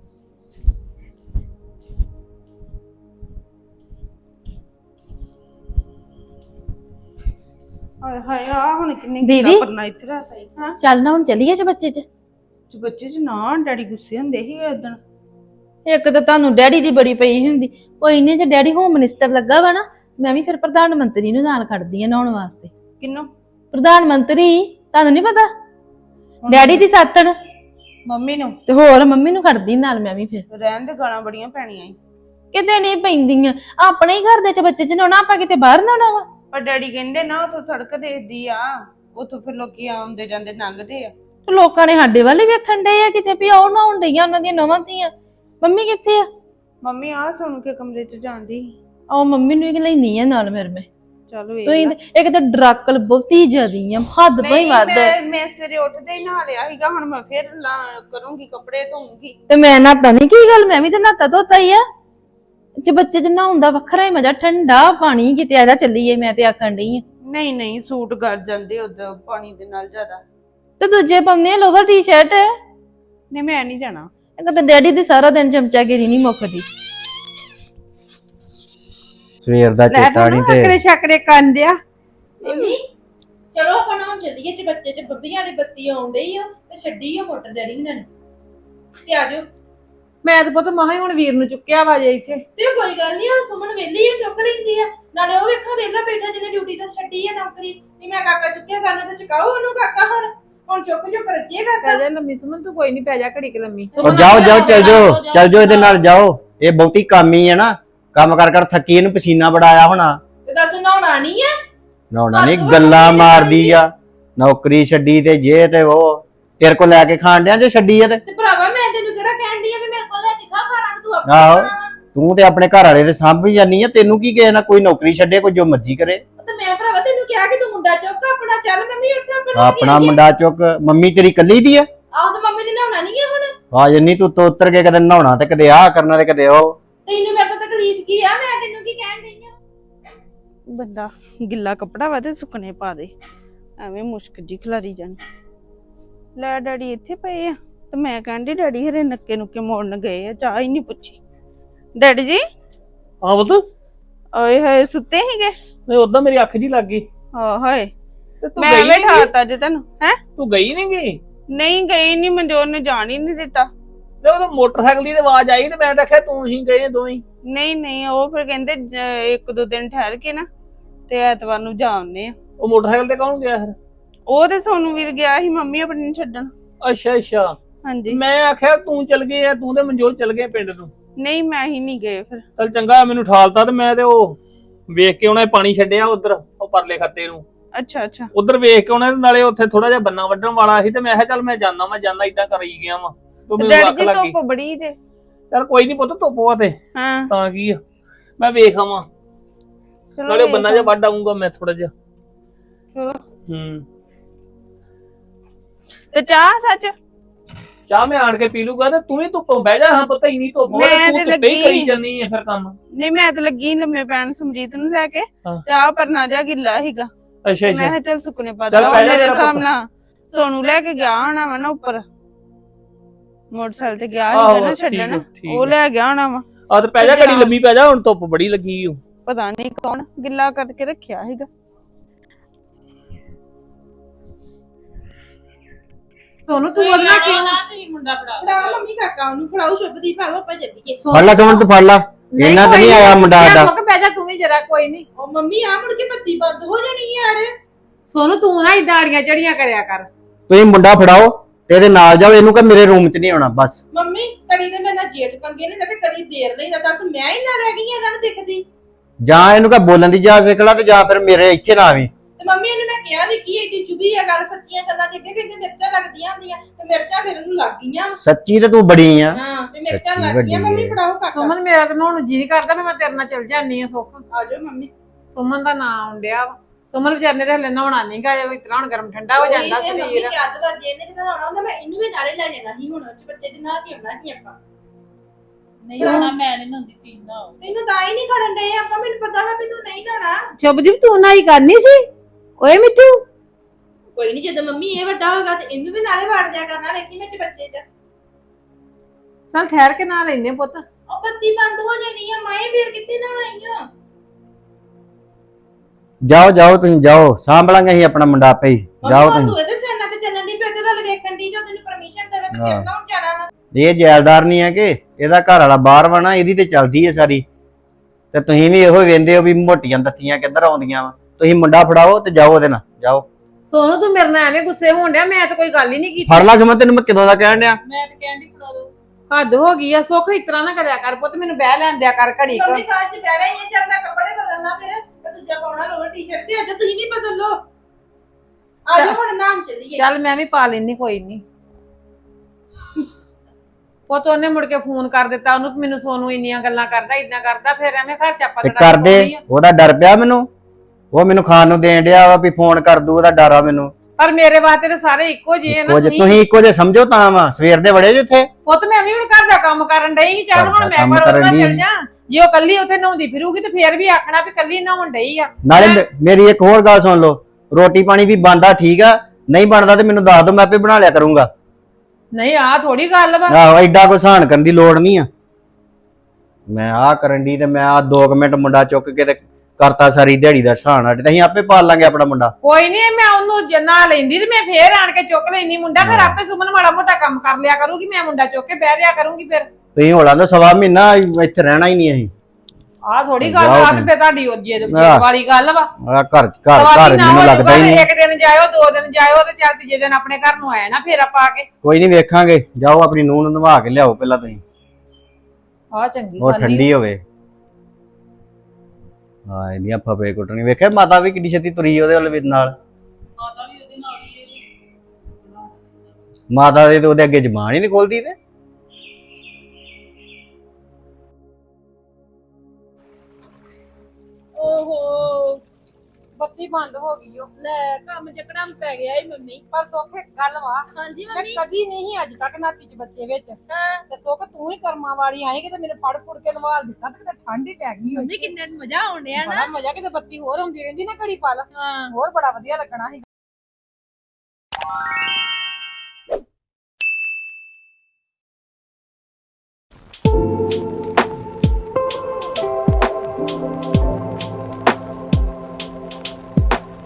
Speaker 4: ਹਾਏ ਹਾਏ ਆ ਹੁਣ ਕਿੰਨੀ
Speaker 6: ਦੀਦੀ?
Speaker 4: ਗੱਲਾਂ ਕਰਨਾ ਇੱਥੇ ਰਾਤਾ ਹੀ। ਹਾਂ
Speaker 6: ਚੱਲ ਨਾ ਹੁਣ ਚੱਲੀਏ ਚ ਬੱਚੇ ਚ।
Speaker 4: ਤੇ ਬੱਚੇ ਚ ਨਾ ਡੈਡੀ ਗੁੱਸੇ ਹੁੰਦੇ ਸੀ ਉਦੋਂ।
Speaker 6: ਇੱਕ ਤਾਂ ਤੁਹਾਨੂੰ ਡੈਡੀ ਦੀ ਬੜੀ ਪਈ ਹੁੰਦੀ, ਕੋਈ ਨਹੀਂ ਜੇ ਡੈਡੀ ਹੋਮ ਮਿਨਿਸਟਰ ਲੱਗਾ ਵਾ ਨਾ, ਮੈਂ ਵੀ ਫਿਰ ਪ੍ਰਧਾਨ ਮੰਤਰੀ ਨੂੰ ਨਾਲ ਖੜਦੀ ਆ ਨਹਾਉਣ ਵਾਸਤੇ।
Speaker 4: ਕਿੰਨੂੰ?
Speaker 6: ਪ੍ਰਧਾਨ ਮੰਤਰੀ ਤੁਹਾਨੂੰ ਨਹੀਂ ਪਤਾ? ਡੈਡੀ ਦੀ ਸਾਤਣ
Speaker 4: ਮੰਮੀ ਨੂੰ?
Speaker 6: ਤੇ ਹੋਰ ਮੰਮੀ ਨੂੰ ਖੜਦੀ ਨਾਲ ਮੈਂ ਵੀ। ਫਿਰ
Speaker 4: ਰਹਿਣ ਦੇ, ਗਾਲਾਂ ਬੜੀਆਂ ਪੈਣੀਆਂ ਈ।
Speaker 6: ਕਿਤੇ ਨਹੀਂ ਪੈਂਦੀਆਂ, ਆਪਣੇ ਹੀ ਘਰ ਦੇ ਚ ਬੱਚੇ ਚ ਨਹਾਉਣਾ, ਆਪਾਂ ਕਿਤੇ ਬਾਹਰ ਨਹਾਉਣਾ ਵਾ।
Speaker 4: ਪਰ ਡੈਡੀ ਕਹਿੰਦੇ ਨਾ ਉਥੋਂ ਸੜਕ ਦੇਖਦੀ ਆ, ਉਥੋਂ ਫਿਰ ਲੋਕੀ ਆਉਂਦੇ ਜਾਂਦੇ ਲੰਘਦੇ ਆ।
Speaker 6: ਤੇ ਲੋਕਾਂ ਨੇ ਸਾਡੇ ਵੱਲ ਹੀ ਵੇਖਣ ਡਏ ਆ ਕਿਤੇ ਵੀ ਉਹ ਨਹਾਉਣ ਡਈਆਂ ਉਹਨਾਂ ਦੀਆਂ ਨਵਾਂ ਧੀਆਂ। ਮੰਮੀ ਕਿੱਥੇ ਆ?
Speaker 4: ਮੰਮੀ ਆ ਸੁਣ ਕੇ ਕਮਰੇ ਚ ਜਾਂਦੀ।
Speaker 6: ਉਹ ਮੰਮੀ ਨੂੰ ਹੀ ਲੈਣੀ ਆ ਨਾਲ ਮੇਰੇ ਮੈਂ।
Speaker 4: ਚੱਲ ਵੇਖ
Speaker 6: ਤੁਸੀਂ
Speaker 4: ਲੈ।
Speaker 6: ਤੇ- ਇੱਕ ਤਾਂ ਡਰਾਕਲ ਬਹੁਤੀ ਜ਼ਿਆਦੀ ਆ, ਹੱਦ ਤੋਂ ਹੀ
Speaker 4: ਨਹੀਂ,
Speaker 6: ਵੱਧ।
Speaker 4: ਮੈਂ ਮੈਂ ਸਵੇਰੇ ਉੱਠਦੇ ਹੀ ਨਹਾ ਲਿਆ ਸੀਗਾ, ਹੁਣ ਮੈਂ ਫਿਰ ਲਾ- ਕਰੂੰਗੀ, ਕੱਪੜੇ ਧੋਊਂਗੀ।
Speaker 6: ਤੇ ਮੈਂ ਨਹਾਤਾ ਨਹੀਂ, ਕੀ ਗੱਲ, ਮੈਂ ਵੀ ਤੇ ਨਹਾਤਾ ਧੋਤਾ ਹੀ ਆ। ਜੇ ਬੱਚੇ ਚ ਨਹਾਉਣ ਦਾ ਵੱਖਰਾ ਹੀ ਮਜ਼ਾ, ਠੰਡਾ ਪਾਣੀ ਕਿਤੇ ਆਦਾ ਚੱਲੀਏ, ਮੈਂ ਤੇ ਆਖਣ ਡਈ ਆ।
Speaker 4: ਨਹੀਂ ਨਹੀਂ ਸੂਟ ਗੜ ਜਾਂਦੇ ਉਦੋਂ ਪਾਣੀ ਦੇ ਨਾਲ ਜ਼ਿਆਦਾ।
Speaker 6: ਤੇ ਦੂਜੇ ਪਾਉਂਦੇ ਆ ਲੋਵਰ ਟੀ ਸ਼ਰਟ।
Speaker 4: ਨਹੀਂ ਮੈਂ ਨਹੀਂ ਜਾਣਾ।
Speaker 6: ਇੱਕ ਤਾਂ ਡੈਡੀ ਦੀ ਸਾਰਾ ਦਿਨ ਚਮਚਾਗਿਰੀ ਨਹੀਂ ਮੁੱਕਦੀ।
Speaker 2: ਸਵੇਰ ਦਾ ਚੇਤਾ ਨਹੀਂ ਤੇ
Speaker 4: ਛਕੜੇ ਛਕੜੇ ਕੰਦਿਆ।
Speaker 6: ਮੰਮੀ
Speaker 8: ਚਲੋ ਆਪਾਂ ਨਾ ਹੁਣ ਚੱਲੀਏ ਚ ਬੱਚੇ ਚ ਬੱਬੀਆਂ ਦੀ ਬੱਤੀ ਆਉਣ ਡਈ ਆ ਤੇ ਛੱਡੀ ਆ ਮੋਟਰ ਡੈਡੀ ਇਹਨਾਂ ਨੇ ਤੇ ਆ ਜਾਓ।
Speaker 1: ਮੈਂ ਤਾਂ ਪੁੱਤ ਮਹਾ ਹੀ ਹੁਣ ਵੀਰ ਨੂੰ ਚੁੱਕਿਆ ਵਾ ਜੇ ਇੱਥੇ।
Speaker 8: ਤੇ ਕੋਈ ਗੱਲ ਨਹੀਂ, ਉਹ ਸੁਮਨ ਵਿਹਲੀ ਆ, ਚੁੱਕ ਲੈਂਦੀ ਆ। ਨਾਲੇ ਉਹ ਵੇਖਾ ਵਿਹਲਾ ਬੈਠਾ ਜਿਹਨੇ ਡਿਊਟੀ ਤੋਂ ਛੱਡੀ ਆ ਨੌਕਰੀ, ਵੀ ਮੈਂ ਕਾਕਾ ਚੁੱਕਿਆ ਕਰਨਾ ਤੇ ਚੁਕਾਓ ਉਹਨੂੰ ਕਾਕਾ ਹੁਣ ਹੁਣ ਚੁੱਕ ਚੁੱਕ ਰੱਜੇ
Speaker 1: ਪੈ
Speaker 8: ਕਾਕਾ।
Speaker 1: ਜਾ ਲੰਮੀ ਸੁਮਨ, ਤੂੰ ਕੋਈ ਨਹੀਂ, ਪੈ ਜਾ ਘੜੀ ਕਿ ਲੰਮੀ।
Speaker 2: ਉਹ ਜਾਓ ਜਾਓ ਚੱਲ ਜਾਓ ਚੱਲ ਜਾਓ ਇਹਦੇ ਨਾਲ ਜਾਓ। ਇਹ ਬਹੁਤੀ ਕਾਮੀ ਹੈ ਨਾ, ਕੰਮ ਕਰ ਕਰ ਥੱਕੀ, ਇਹਨੂੰ ਪਸੀਨਾ ਬੜਾ ਆਇਆ ਹੋਣਾ।
Speaker 8: ਤੇ ਦੱਸ ਨਹਾਉਣਾ ਨਹੀਂ ਆ?
Speaker 2: ਨਹਾਉਣਾ ਨਹੀਂ, ਗੱਲਾਂ ਮਾਰਦੀ ਆ, ਨੌਕਰੀ ਛੱਡੀ ਤੇ ਜੇ ਤੇ ਉਹ ਤੇਰੇ ਕੋਲ ਲੈ ਕੇ ਖਾਣ ਡਿਆ ਜੇ ਛੱਡੀ ਆ ਤੇ।
Speaker 8: ਤੇ ਭਰਾਵਾ ਮੈਂ ਤੈਨੂੰ ਕਿਹੜਾ ਕਹਿਣ ਡਈ ਆ ਵੀ ਮੇਰੇ ਕੋਲ ਲੈ ਕੇ ਖਾ ਖਾਣਾ, ਤੂੰ ਆਪਣਾ
Speaker 2: ਆਹੋ।
Speaker 8: ਖਾਣਾ ਵਾ।
Speaker 2: ਤੂੰ ਤੇ ਆਪਣੇ ਘਰ ਵਾਲੇ ਦੇ ਸਾਂਭੀ ਜਾਨੀ ਆ, ਤੈਨੂੰ ਕੀ ਕਿਸੇ ਨਾ ਕੋਈ ਨੌਕਰੀ ਛੱਡੇ, ਕੋਈ ਜੋ ਮਰਜ਼ੀ ਕਰੇ।
Speaker 8: ਤੇ ਮੈਂ ਭਰਾਵਾ ਤੈਨੂੰ ਕਿਹਾ ਕਿ ਤੂੰ ਮੁੰਡਾ ਚੁੱਕ ਆਪਣਾ, ਚੱਲ ਮੰਮੀ ਉੱਠ ਆਪਣਾ
Speaker 2: ਆਪਣਾ ਮੁੰਡਾ ਚੁੱਕ, ਮੰਮੀ ਤੇਰੀ ਕੱਲੀ ਦੀ ਆ।
Speaker 8: ਆਹ ਤੇ ਮੰਮੀ ਨੇ ਨਹਾਉਣਾ ਨਹੀਂ ਆ ਹੁਣ।
Speaker 2: ਆ ਜੰਨੀ ਤੂੰ ਤੋਂ ਉੱਤਰ ਕੇ ਕਦੇ ਨਹਾਉਣਾ ਤੇ ਕਦੇ ਆਹ ਕਰਨਾ ਤੇ ਕਦੇ ਉਹ।
Speaker 8: ਤੈਨੂੰ ਮੇਰੇ ਤੋਂ ਤਕਲੀਫ ਕੀ ਆ? ਮੈਂ ਤੈਨੂੰ ਕੀ ਕਹਿਣ ਡਈ ਆ?
Speaker 4: ਬੰਦਾ ਗਿੱਲਾ ਕੱਪੜਾ ਵਾ ਤੇ ਸੁੱਕਣੇ ਪਾ ਦੇ, ਐਵੇਂ ਮੁਸ਼ਕ ਜੀ ਖਲਾਰੀ ਜਾਣੀ। ਲੈ ਡੈਡੀ ਇੱਥੇ ਪਏ ਆ ਤੇ ਮੈਂ ਕਹਿੰਦੀ ਡੈਡੀ ਹਰੇ ਨੱਕੇ ਨੁੱਕੇ ਮੋੜਨ ਗਏ ਆ, ਚਾਹ ਹੀ ਨਹੀਂ ਪੁੱਛੀ। ਡੈਡੀ ਜੀ
Speaker 9: ਹਾਂ ਪੁੱਤ,
Speaker 4: ਓਏ ਹੋਏ ਸੁੱਤੇ ਹੀਗੇ?
Speaker 9: ਨਹੀਂ ਉਦਾਂ ਮੇਰੀ ਅੱਖ ਜੀ ਲੱਗ ਗਈ।
Speaker 4: ਹਾਂ ਹਾਏ,
Speaker 9: ਤੇ ਤੂੰ
Speaker 4: ਮੈਂ
Speaker 9: ਗਈ ਨੀ ਗੀ?
Speaker 4: ਬਿਠਾਤਾ ਜੇ ਤੈਨੂੰ ਹੈ।
Speaker 9: ਤੂੰ ਗਈ ਨੀ ਗਈ?
Speaker 4: ਨਹੀਂ ਗਈ ਨਹੀਂ, ਮਨਜੋਤ ਨੇ ਜਾਣ ਹੀ ਨਹੀਂ ਦਿੱਤਾ।
Speaker 9: ਤੇ ਉਹ ਮੋਟਰਸਾਈਕਲ ਦੀ ਤੇ ਆਵਾਜ਼ ਆਈ ਤੇ ਮੈਂ ਦੇਖਿਆ ਤੂੰ ਹੀ ਗਏ ਦੋਵੇਂ।
Speaker 4: ਨਹੀਂ ਨਹੀਂ, ਉਹ ਫਿਰ ਕਹਿੰਦੇ ਜ- ਇੱਕ ਦੋ ਦਿਨ ਠਹਿਰ ਕੇ ਨਾ ਤੇ ਐਤਵਾਰ ਨੂੰ ਜਾ ਆਉਂਦੇ ਆ।
Speaker 9: ਉਹ ਮੋਟਰਸਾਈਕਲ ਤੇ ਕੌਣ ਗਿਆ ਫਿਰ?
Speaker 4: ਉਹ ਤੇ ਸੋਨੂੰ ਵੀਰ ਗਿਆ ਸੀ ਮੰਮੀ ਆਪਣੀ ਨੂੰ ਛੱਡਣ।
Speaker 9: ਅੱਛਾ ਅੱਛਾ,
Speaker 4: ਹਾਂਜੀ।
Speaker 9: ਮੈਂ ਆਖਿਆ ਤੂੰ ਚਲ ਗਈ ਆ, ਤੂੰ ਤੇ ਮਨਜੋਤ ਚਲ ਗਏ ਪਿੰਡ ਨੂੰ।
Speaker 4: ਨਹੀਂ ਮੈਂ ਹੀ ਨਹੀਂ ਗਏ ਫਿਰ।
Speaker 9: ਚਲ ਚੰਗਾ, ਮੈਨੂੰ ਠਾਲਤਾ ਤੇ ਮੈਂ ਤੇ ਉਹ ਵੇਖ ਕੇ ਉਹਨੇ ਪਾਣੀ ਛੱਡਿਆ ਉਧਰ ਉਹ ਪਰਲੇ ਖੱਤੇ ਨੂੰ।
Speaker 4: ਅੱਛਾ ਅੱਛਾ।
Speaker 9: ਉਧਰ ਵੇਖ ਕੇ ਉਹਨੇ ਨਾਲੇ ਉੱਥੇ ਥੋੜਾ ਜਿਹਾ ਬੰਨਾ ਵੱਢਣ ਵਾਲਾ ਸੀ ਤੇ ਮੈਂ ਕਿਹਾ ਚੱਲ ਮੈਂ ਜਾਣਾ ਮੈਂ ਜਾਣਾ ਇਦਾਂ ਕਰੀ ਗਿਆ ਵਾ। ਤੂੰ ਮੈਨੂੰ
Speaker 4: ਡੈਡੀ
Speaker 9: ਅੱਖ
Speaker 4: ਜੀ
Speaker 9: ਲੱਗੀ।
Speaker 4: ਧੁੱਪ ਬੜੀ ਜੇ।
Speaker 9: ਚੱਲ ਕੋਈ ਨਹੀਂ ਪੁੱਤ, ਧੁੱਪ ਵਾ ਤੇ
Speaker 4: ਹਾਂ
Speaker 9: ਤਾਂ ਕੀ ਆ, ਮੈਂ ਵੇਖ ਆਵਾਂ।
Speaker 4: ਚਲੋ
Speaker 9: ਨਾਲੇ ਬੰਨਾ
Speaker 4: ਵੇਖ
Speaker 9: ਜਿਹਾ ਵੱਢ ਆਊਂਗਾ ਮੈਂ ਥੋੜਾ ਜਿਹਾ।
Speaker 4: ਚਲੋ।
Speaker 9: ਹੂੰ,
Speaker 4: ਤੇ ਚਾਹ ਸੱਚ
Speaker 9: ਚਾਹ ਮੈਂ ਆਣ ਕੇ ਪੀ ਲੂਗਾ ਤੇ ਤੂੰ ਵੀ ਧੁੱਪੋਂ ਬਹਿ ਜਾ। ਹਾਂ ਪਤਾ ਹੀ ਨਹੀਂ ਧੁੱਪ
Speaker 4: ਮੈਂ
Speaker 9: ਤੂੰ
Speaker 4: ਤੇ
Speaker 9: ਧੁੱਪੇ ਹੀ
Speaker 4: ਲੱਗੀ।
Speaker 9: ਕਰੀ ਜਾਨੀ ਆ ਫਿਰ ਕੰਮ।
Speaker 4: ਨਹੀਂ, ਮੈਂ ਤਾਂ ਲੱਗੀ ਲੰਮੇ ਪੈਣ ਸਮਜੀਤ ਨੂੰ ਲੈ ਕੇ।
Speaker 9: ਹਾਂ।
Speaker 4: ਚਾਹ ਪਰਨਾ ਜਾ ਗਿੱਲਾ ਸੀਗਾ,
Speaker 9: ਅੱਛਾ
Speaker 4: ਮੈਂ
Speaker 9: ਅੱਛਾ,
Speaker 4: ਕਿਹਾ ਚੱਲ ਸੁੱਕਣੇ ਪਾ
Speaker 9: ਚੱਲ
Speaker 4: ਦਾਂ।
Speaker 9: ਪੈ ਜਾ
Speaker 4: ਮੇਰੇ
Speaker 9: ਮੇਰਾ ਪੁੱਤ।
Speaker 4: ਸਾਹਮਣਾ ਸੋਨੂੰ ਲੈ ਕੇ ਗਿਆ ਹੋਣਾ ਵਾ ਨਾ ਉੱਪਰ, ਮੋਟਰਸਾਈਕਲ ਤੇ ਗਿਆ
Speaker 9: ਆਹੋ,
Speaker 4: ਸੀਗਾ ਨਾ
Speaker 9: ਠੀਕ ਆ,
Speaker 4: ਛੱਡਣ,
Speaker 9: ਠੀਕ
Speaker 4: ਉਹ
Speaker 9: ਆ।
Speaker 4: ਲੈ ਗਿਆ ਹੋਣਾ ਵਾ।
Speaker 9: ਆ ਤੇ ਪੈ ਜਾ ਘੜੀ ਲੰਮੀ ਪੈ ਜਾ, ਹੁਣ ਧੁੱਪ ਬੜੀ ਲੱਗੀ ਓ।
Speaker 4: ਪਤਾ ਨਹੀਂ ਕੌਣ ਗਿੱਲਾ ਕਰਕੇ ਰੱਖਿਆ ਸੀਗਾ।
Speaker 1: ਸੋਨੂੰ ਤੂੰ ਉਹਦੇ ਨਾਲ ਕਿਉਂ?
Speaker 8: ਤੁਸੀਂ ਮੁੰਡਾ ਫੜਾ ਫੜਾ ਮੰਮੀ ਕਾਕਾ ਉਹਨੂੰ ਫੜਾਓ। ਸ਼ੁਭਦੀਪ ਆਓ ਆਪਾਂ ਚੱਲੀਏ।
Speaker 2: ਫੜ ਲਾ ਸੁਮਨ, ਤੂੰ ਫੜ ਲਾ। ਇਹਨਾਂ ਤੇ ਨਹੀਂ ਆਇਆ ਮੁੰਡਾ ਸਾਡਾ।
Speaker 1: ਮੁੱਕ ਪੈ ਜਾ ਤੂੰ ਵੀ ਜਰਾ, ਕੋਈ ਨਹੀਂ।
Speaker 8: ਉਹ ਮੰਮੀ ਆ ਮੁੜ ਕੇ ਬੱਤੀ ਬੰਦ ਹੋ ਜਾਣੀ ਯਾਰ।
Speaker 1: ਸੋਨੂੰ ਤੂੰ ਨਾ ਇਦਾਂ ਆੜੀਆਂ ਚੜੀਆਂ ਕਰਿਆ ਕਰ।
Speaker 2: ਤੁਸੀਂ ਮੁੰਡਾ ਫੜਾਓ ਤੇ ਇਹਦੇ ਨਾਲ ਜਾਓ, ਇਹਨੂੰ ਕਹ ਮੇਰੇ ਰੂਮ 'ਚ ਨਹੀਂ ਆਉਣਾ ਬਸ।
Speaker 8: ਮੰਮੀ ਕਦੀ ਤੇ ਮੇਰੇ ਨਾਲ ਜੇਠ ਪੰਗੇ ਨੇ ਤੇ ਕਦੀ ਦੇਰ ਲਈ ਦੱਸ ਮੈਂ ਹੀ ਨਾ ਰਹਿ ਗਈ ਇਹਨਾਂ ਨੂੰ ਦਿਖਦੀ।
Speaker 2: ਜਾਂ ਇਹਨੂੰ ਕਹ ਬੋਲਣ ਦੀ ਜਾਚ ਸਿੱਖ ਲਾ ਤੇ ਜਾਂ ਫਿਰ ਮੇਰੇ ਇੱਥੇ ਨਾ ਆਵੀਂ।
Speaker 8: ਤੇ ਮੰਮੀ ਇਹਨੂੰ ਮੈਂ ਕਿਹਾ ਵੀ ਕੀ ਏਡੀ ਚੁਬੀ ਆ ਗੱਲ, ਸੱਚੀਆਂ ਗੱਲਾਂ ਦੇ ਅੱਗੇ ਕਿੰਨੇ ਮਿਰਚਾਂ ਲੱਗਦੀਆਂ ਹੁੰਦੀਆਂ ਤੇ ਮਿਰਚਾਂ ਫਿਰ ਉਹਨੂੰ ਲੱਗ ਗਈਆਂ।
Speaker 2: ਸੱਚੀ ਤੇ ਤੂੰ ਬੜੀ ਆ।
Speaker 8: ਹਾਂ ਤੇ ਮਿਰਚਾਂ
Speaker 2: ਸੱਚੀ
Speaker 8: ਲੱਗ ਗਈਆਂ।
Speaker 2: ਵੱਡੀ
Speaker 8: ਮੰਮੀ
Speaker 2: ਹੈ।
Speaker 8: ਫੜਾਓ ਕਾਕਾ।
Speaker 1: ਸੁਮਨ ਮੇਰਾ ਤਾਂ ਨਹਾਉਣ ਨੂੰ ਜੀ ਨਹੀਂ ਕਰਦਾ, ਮੈਂ ਤੇਰੇ ਨਾਲ ਚੱਲ ਜਾਂਦੀ ਆ ਸੁੱਖ।
Speaker 8: ਆ ਜਾਓ ਮੰਮੀ।
Speaker 1: ਸੁਮਨ ਦਾ ਨਾਂ ਆਉਂਦਿਆ ਵਾ। ਸੁਮਨ ਵਿਚਾਰੇ ਨੇ ਤਾਂ ਹਲੇ ਨਹਾਉਣਾ ਨਹੀਂ ਗਾ, ਜੇ ਇਤਨਾ ਹੁਣ ਗਰਮ ਠੰਡਾ ਹੋ ਜਾਂਦਾ
Speaker 8: ਉਹੀ ਤੇ ਮੰਮੀ
Speaker 1: ਸਰੀਰ।
Speaker 8: ਗੱਲ ਵਾ, ਜੇ ਇਹਨੇ ਕਿਤੇ ਹੋਣਾ ਹੁੰਦਾ ਮੈਂ ਇਹਨੂੰ ਵੀ ਨਾਲੇ ਲੈ ਜਾਣਾ ਸੀ। ਹੁਣ ਚ ਬੱਚੇ ਚ ਨਾ ਕੇ ਆਉਣਾ ਸੀ ਆਪਾਂ।
Speaker 10: ਨਹੀਂ ਹੋਣਾ, ਮੈਂ ਨਹੀਂ ਨਹਾਉਂਦੀ, ਤੀ ਨਾ
Speaker 8: ਤੈਨੂੰ ਤਾਂ ਹੀ ਨਹੀਂ ਖੜਨ ਡਏ ਆਪਾਂ। ਮੈਨੂੰ ਪਤਾ ਵਾ ਵੀ ਤੂੰ ਨਹੀਂ ਨਹਾਉਣਾ।
Speaker 6: ਸ਼ੁਭਦੀਪ ਤੂੰ ਨਾ ਹੀ ਕਰਨੀ ਸੀ। ਓਏ ਮਿੱਠੂ,
Speaker 8: ਕੋਈ ਨਹੀਂ, ਜਦੋਂ ਮੰਮੀ ਇਹ ਵੱਡਾ ਹੋਗਾ ਤੇ ਇਹਨੂੰ ਵੀ ਨਾਲੇ ਵਾੜ ਦਿਆ ਕਰਨਾ। ਵੇਖੀ ਵਿੱਚ ਬੱਚੇ ਚ
Speaker 1: ਚੱਲ ਠਹਿਰ ਕੇ ਨਹਾ ਲੈਨੇ ਪੁੱਤ।
Speaker 8: ਉਹ ਬੱਤੀ ਬੰਦ ਹੋ ਜਾਣੀ ਆ। ਮੈਂ ਫਿਰ ਕਿੱਥੇ ਨਹਾਉਣੀ ਆ?
Speaker 2: ਜਾਓ ਜਾਓ ਤੁਸੀਂ ਜਾਓ, ਸਾਂਭ ਲਾਂਗੇ ਅਸੀਂ ਆਪਣਾ ਮੁੰਡਾ ਆਪੇ ਹੀ। ਜਾਓ
Speaker 8: ਮੰਮੀ
Speaker 2: ਤੁਸੀਂ।
Speaker 8: ਤੂੰ ਇਹਦੇ ਸੈਨਾ ਤੇ ਚੱਲਣ ਦੀ ਪੈਦੇ ਵੱਲ ਵੇਖਣ ਦੀ, ਜਦੋਂ ਤੈਨੂੰ ਪਰਮਿਸ਼ਨ ਦੇਵੇ ਤੇ
Speaker 2: ਹਾਂ।
Speaker 8: ਕਿੰਨਾ ਹੁਣ ਜਾਣਾ ਵਾ।
Speaker 2: ਇਹ ਜੈਲਦਾਰ ਨਹੀਂ ਹੈ ਕਿ ਇਹਦਾ ਘਰ ਵਾਲਾ ਬਾਹਰ ਵਾ ਨਾ, ਇਹਦੀ ਤੇ ਚੱਲਦੀ ਹੈ ਸਾਰੀ। ਤੇ ਤੁਸੀਂ ਵੀ ਇਹੋ ਵੇਂਦੇ ਹੋ ਵੀ ਮੋਟੀਆਂ ਦੱਤੀਆਂ ਕਿੱਧਰ ਆਉਂਦੀਆਂ ਵਾ। ਤੁਸੀਂ ਮੁੰਡਾ ਫੜਾਓ ਤੇ ਜਾਓ ਉਹਦੇ ਨਾਲ, ਜਾਓ।
Speaker 1: ਸੋਨੂੰ ਤੂੰ ਮੇਰੇ ਨਾਲ ਐਵੇਂ ਗੁੱਸੇ ਹੋਣ ਡਿਆ, ਮੈਂ ਤਾਂ ਕੋਈ ਗੱਲ ਹੀ ਨਹੀਂ ਕੀਤੀ।
Speaker 2: ਫੜ ਲਾ ਜਮਾ, ਤੈਨੂੰ ਮੈਂ ਕਦੋਂ ਦਾ ਕਹਿਣ ਡਿਆ।
Speaker 10: ਮੈਂ ਤੇ ਕਹਿੰਦੀ ਫੜਾ ਦੋ।
Speaker 1: ਹੱਦ ਹੋ ਗਈ ਆ ਸੁੱਖ, ਇਤਨਾ ਨਾ ਕਰਿਆ ਕਰ ਪੁੱਤ, ਮੈਨੂੰ ਬਹਿ ਲੈਣ ਦਿਆ ਕਰ ਘੜੀ
Speaker 8: ਮੰਮੀ
Speaker 1: ਕੁ।
Speaker 8: ਬਾਅਦ ਚ ਬਹਿਣਾ ਹੀ ਹੈ। ਚੱਲ ਮੈਂ ਕੱਪੜੇ ਬਦਲਣਾ ਫਿਰ ਤੇ ਦੂਜਾ ਪਾਉਣਾ ਲੋਅਰ ਟੀ-ਸ਼ਰਟ ਤੇ। ਅੱਜ ਤੁਸੀਂ ਨਹੀਂ ਬਦਲ ਲੋ। ਆ ਜਾਓ ਹੁਣ ਨਾਮ ਚੱਲੀਏ।
Speaker 1: ਚੱਲ ਮੈਂ ਵੀ ਪਾ ਲੈਣੀ, ਕੋਈ ਨਹੀਂ। ਪੁੱਤ ਉਹਨੇ ਮੁੜ ਕੇ ਫੋਨ ਕਰ ਦਿੱਤਾ ਉਹਨੂੰ, ਮੈਨੂੰ ਸੋਨੂੰ ਇੰਨੀਆਂ ਗੱਲਾਂ ਕਰਦਾ, ਇਦਾਂ ਕਰਦਾ, ਫਿਰ ਐਵੇਂ ਘਰ ਚ ਆਪਾਂ
Speaker 2: ਤੇ
Speaker 1: ਲੜਾਈ
Speaker 2: ਕਰਦੇ
Speaker 1: ਪਾਉਣੀ ਆ।
Speaker 2: ਉਹਦਾ ਡਰ ਪਿਆ ਮੈਨੂੰ। ਉਹ ਮੈਨੂੰ ਖਾਣ ਨੂੰ ਦੇਣ ਡਿਆ ਵਾ ਵੀ ਫੋਨ ਕਰ ਦੂ, ਉਹਦਾ ਡਰ ਆ ਮੈਨੂੰ।
Speaker 1: ਪਰ ਮੇਰੇ ਵਾਸਤੇ ਤਾਂ ਸਾਰੇ ਇੱਕੋ ਜਿਹੇ ਆ ਨਾ।
Speaker 2: ਕੁਝ
Speaker 1: ਤੁਸੀਂ
Speaker 2: ਤੁਸੀਂ ਇੱਕੋ ਜੇ ਸਮਝੋ ਤਾਂ ਵਾ। ਸਵੇਰ ਦੇ ਬੜੇ ਜਿੱਥੇ
Speaker 1: ਪੁੱਤ ਮੈਂ ਵੀ ਹੁਣ ਘਰ ਦਾ ਕੰਮ ਕਰਨ ਡਈ ਸੀ। ਚੱਲ
Speaker 2: ਘਰ
Speaker 1: ਹੁਣ
Speaker 2: ਦਾ
Speaker 1: ਮੈਂ
Speaker 2: ਕੰਮ
Speaker 1: ਪਰ ਉਹਦੇ ਨਾਲ
Speaker 2: ਕਰਨ
Speaker 1: ਚੱਲ
Speaker 2: ਡਈ।
Speaker 1: ਜਾ। ਜੇ ਉਹ ਕੱਲੀ ਉੱਥੇ ਨਹਾਉਂਦੀ ਫਿਰੂਗੀ ਤੇ ਫੇਰ ਵੀ ਆਖਣਾ ਵੀ ਕੱਲੀ ਨਹਾਉਣ ਡਈ ਆ।
Speaker 2: ਨਾਲੇ ਮੇ- ਮੇਰੀ ਇੱਕ ਹੋਰ ਗੱਲ ਸੁਣ ਲਓ, ਰੋਟੀ ਪਾਣੀ ਵੀ ਬਣਦਾ ਠੀਕ ਆ, ਨਹੀਂ ਬਣਦਾ ਤੇ ਮੈਨੂੰ ਦੱਸ ਦਿਓ, ਮੈਂ ਆਪੇ ਬਣਾ ਲਿਆ ਕਰੂੰਗਾ।
Speaker 1: ਨਹੀਂ ਆ ਥੋੜੀ ਗੱਲ ਵਾ।
Speaker 2: ਆਹੋ ਐਡਾ ਕੋਈ ਸਹਾਨ ਕਰਨ ਦੀ ਲੋੜ ਨਹੀਂ ਆ। ਮੈਂ ਆਹ ਕਰਨ ਦੀ ਤੇ ਮੈਂ ਆ ਦੋ ਕੁ ਮਿੰਟ ਮੁੰਡਾ ਚੁੱਕ ਕੇ ਤੇ ਕਰਤਾ ਸਾਰੀ ਦਿਹਾੜੀ ਦਾ ਸਾਨ ਸਾਡੇ ਤੇ ਅਸੀਂ ਆਪੇ ਪਾਲ ਲਾਂਗੇ ਆਪਣਾ ਮੁੰਡਾ।
Speaker 11: ਕੋਈ ਨਹੀਂ ਮੈਂ ਉਹਨੂੰ ਜਨਾ ਲੈਂਦੀ ਤੇ ਮੈਂ ਫੇਰ ਆਣ ਕੇ ਚੁੱਕ ਲੈਂਦੀ ਮੁੰਡਾ, ਫਿਰ ਆਪੇ ਸੁਮਨ ਮਾੜਾ ਮੋਟਾ ਕੰਮ ਕਰ ਲਿਆ ਕਰੂਗੀ, ਮੈਂ ਮੁੰਡਾ ਚੁੱਕ ਕੇ ਬਹਿ ਰਿਆ ਕਰੂੰਗੀ। ਫਿਰ
Speaker 2: ਤੁਸੀਂ ਹੋਲਾਂ ਦਾ ਸਵਾ ਮਹੀਨਾ ਇੱਥੇ ਰਹਿਣਾ ਹੀ ਨਹੀਂ ਅਸੀਂ।
Speaker 11: ਆਹ ਥੋੜੀ ਗੱਲ ਆ ਤੇ ਫਿਰ ਤੁਹਾਡੀ ਉਹ ਜੇ
Speaker 2: ਆਹ।
Speaker 11: ਵਾਲੀ ਗੱਲ ਵਾ।
Speaker 2: ਆ ਘਰ ਘਰ
Speaker 11: ਸਵਾਰੀ
Speaker 2: ਘਰ
Speaker 11: ਨਾ
Speaker 2: ਮੈਨੂੰ
Speaker 11: ਹੋ
Speaker 2: ਲੱਗਦਾ
Speaker 11: ਜਾਊਗਾ
Speaker 2: ਹੀ
Speaker 11: ਤੇ
Speaker 2: ਨਹੀਂ।
Speaker 11: ਇੱਕ ਦਿਨ ਜਾਇਓ, ਦੋ ਦਿਨ ਜਾਇਓ ਤੇ ਚੱਲ ਤੀਜੇ ਦਿਨ ਆਪਣੇ ਘਰ ਨੂੰ ਆਇਆ ਨਾ ਫੇਰ ਆਪਾਂ ਆ ਕੇ।
Speaker 2: ਕੋਈ ਨਹੀਂ ਵੇਖਾਂਗੇ, ਜਾਓ ਆਪਣੀ ਨੂੰਹ ਨੂੰ ਨਵਾ ਕੇ ਲਿਆਓ ਪਹਿਲਾਂ ਤੁਸੀਂ,
Speaker 11: ਆਹ ਚੰਗੀ
Speaker 2: ਉਹ
Speaker 11: ਗੱਲ ਈ।
Speaker 2: ਠੰਡੀ ਹੋਵੇ। ਹਾਂ ਇਹਦੀਆਂ ਫਫੇ ਕੁੱਟਣੀ ਵੇਖਿਆ, ਮਾਤਾ ਵੀ ਕਿੰਨੀ ਛੇਤੀ ਤੁਰੀ ਉਹਦੇ ਵੱਲ ਵੀ ਨਾਲ।
Speaker 10: ਮਾਤਾ ਵੀ ਉਹਦੇ ਨਾਲ ਹੀ ਹੈ।
Speaker 2: ਮਾਤਾ ਦੇ ਤੇ ਉਹਦੇ ਅੱਗੇ ਜ਼ਬਾਨ ਹੀ ਨਹੀਂ ਖੋਲਦੀ ਤੇ।
Speaker 8: ਓਹੋ
Speaker 11: ਬੱਤੀ ਬੰਦ ਹੋ ਗਈ ਓ।
Speaker 8: ਲੈ ਕੰਮ ਚੱਕਣਾ ਪੈ ਗਿਆ ਈ ਮੰਮੀ।
Speaker 11: ਪਰ ਸੁੱਖ ਇੱਕ ਗੱਲ ਵਾ,
Speaker 8: ਹਾਂਜੀ
Speaker 11: ਮੈਂ
Speaker 8: ਮੰਮੀ।
Speaker 11: ਕਦੀ ਨਹੀਂ ਅੱਜ ਤੱਕ ਨਾਤੀ ਚ ਬੱਚੇ ਵਿੱਚ
Speaker 8: ਹਾਂ
Speaker 11: ਤੇ ਸੁੱਖ ਤੂੰ ਹੀ ਕਰਮਾਂ ਵਾਲੀ ਆਏਗੀ ਤੇ ਮੇਰੇ ਫੜ ਫੁੜ ਕੇ ਨਵਾਲ ਦਿੱਤਾ ਤੇ ਕਿਤੇ ਠੰਡ ਹੀ ਪੈ ਗਈ ਹੋਈ।
Speaker 8: ਮੰਮੀ ਕਿੰਨਾ ਮਜ਼ਾ ਆਉਣ ਡਿਆ
Speaker 11: ਬੜਾ
Speaker 8: ਨਾ।
Speaker 11: ਮਜ਼ਾ, ਕਿਤੇ ਬੱਤੀ ਹੋਰ ਹੁੰਦੀ ਰਹਿੰਦੀ ਨਾ ਘੜੀ ਪਲ,
Speaker 8: ਹਾਂ
Speaker 11: ਹੋਰ ਬੜਾ ਵਧੀਆ ਲੱਗਣਾ ਸੀ।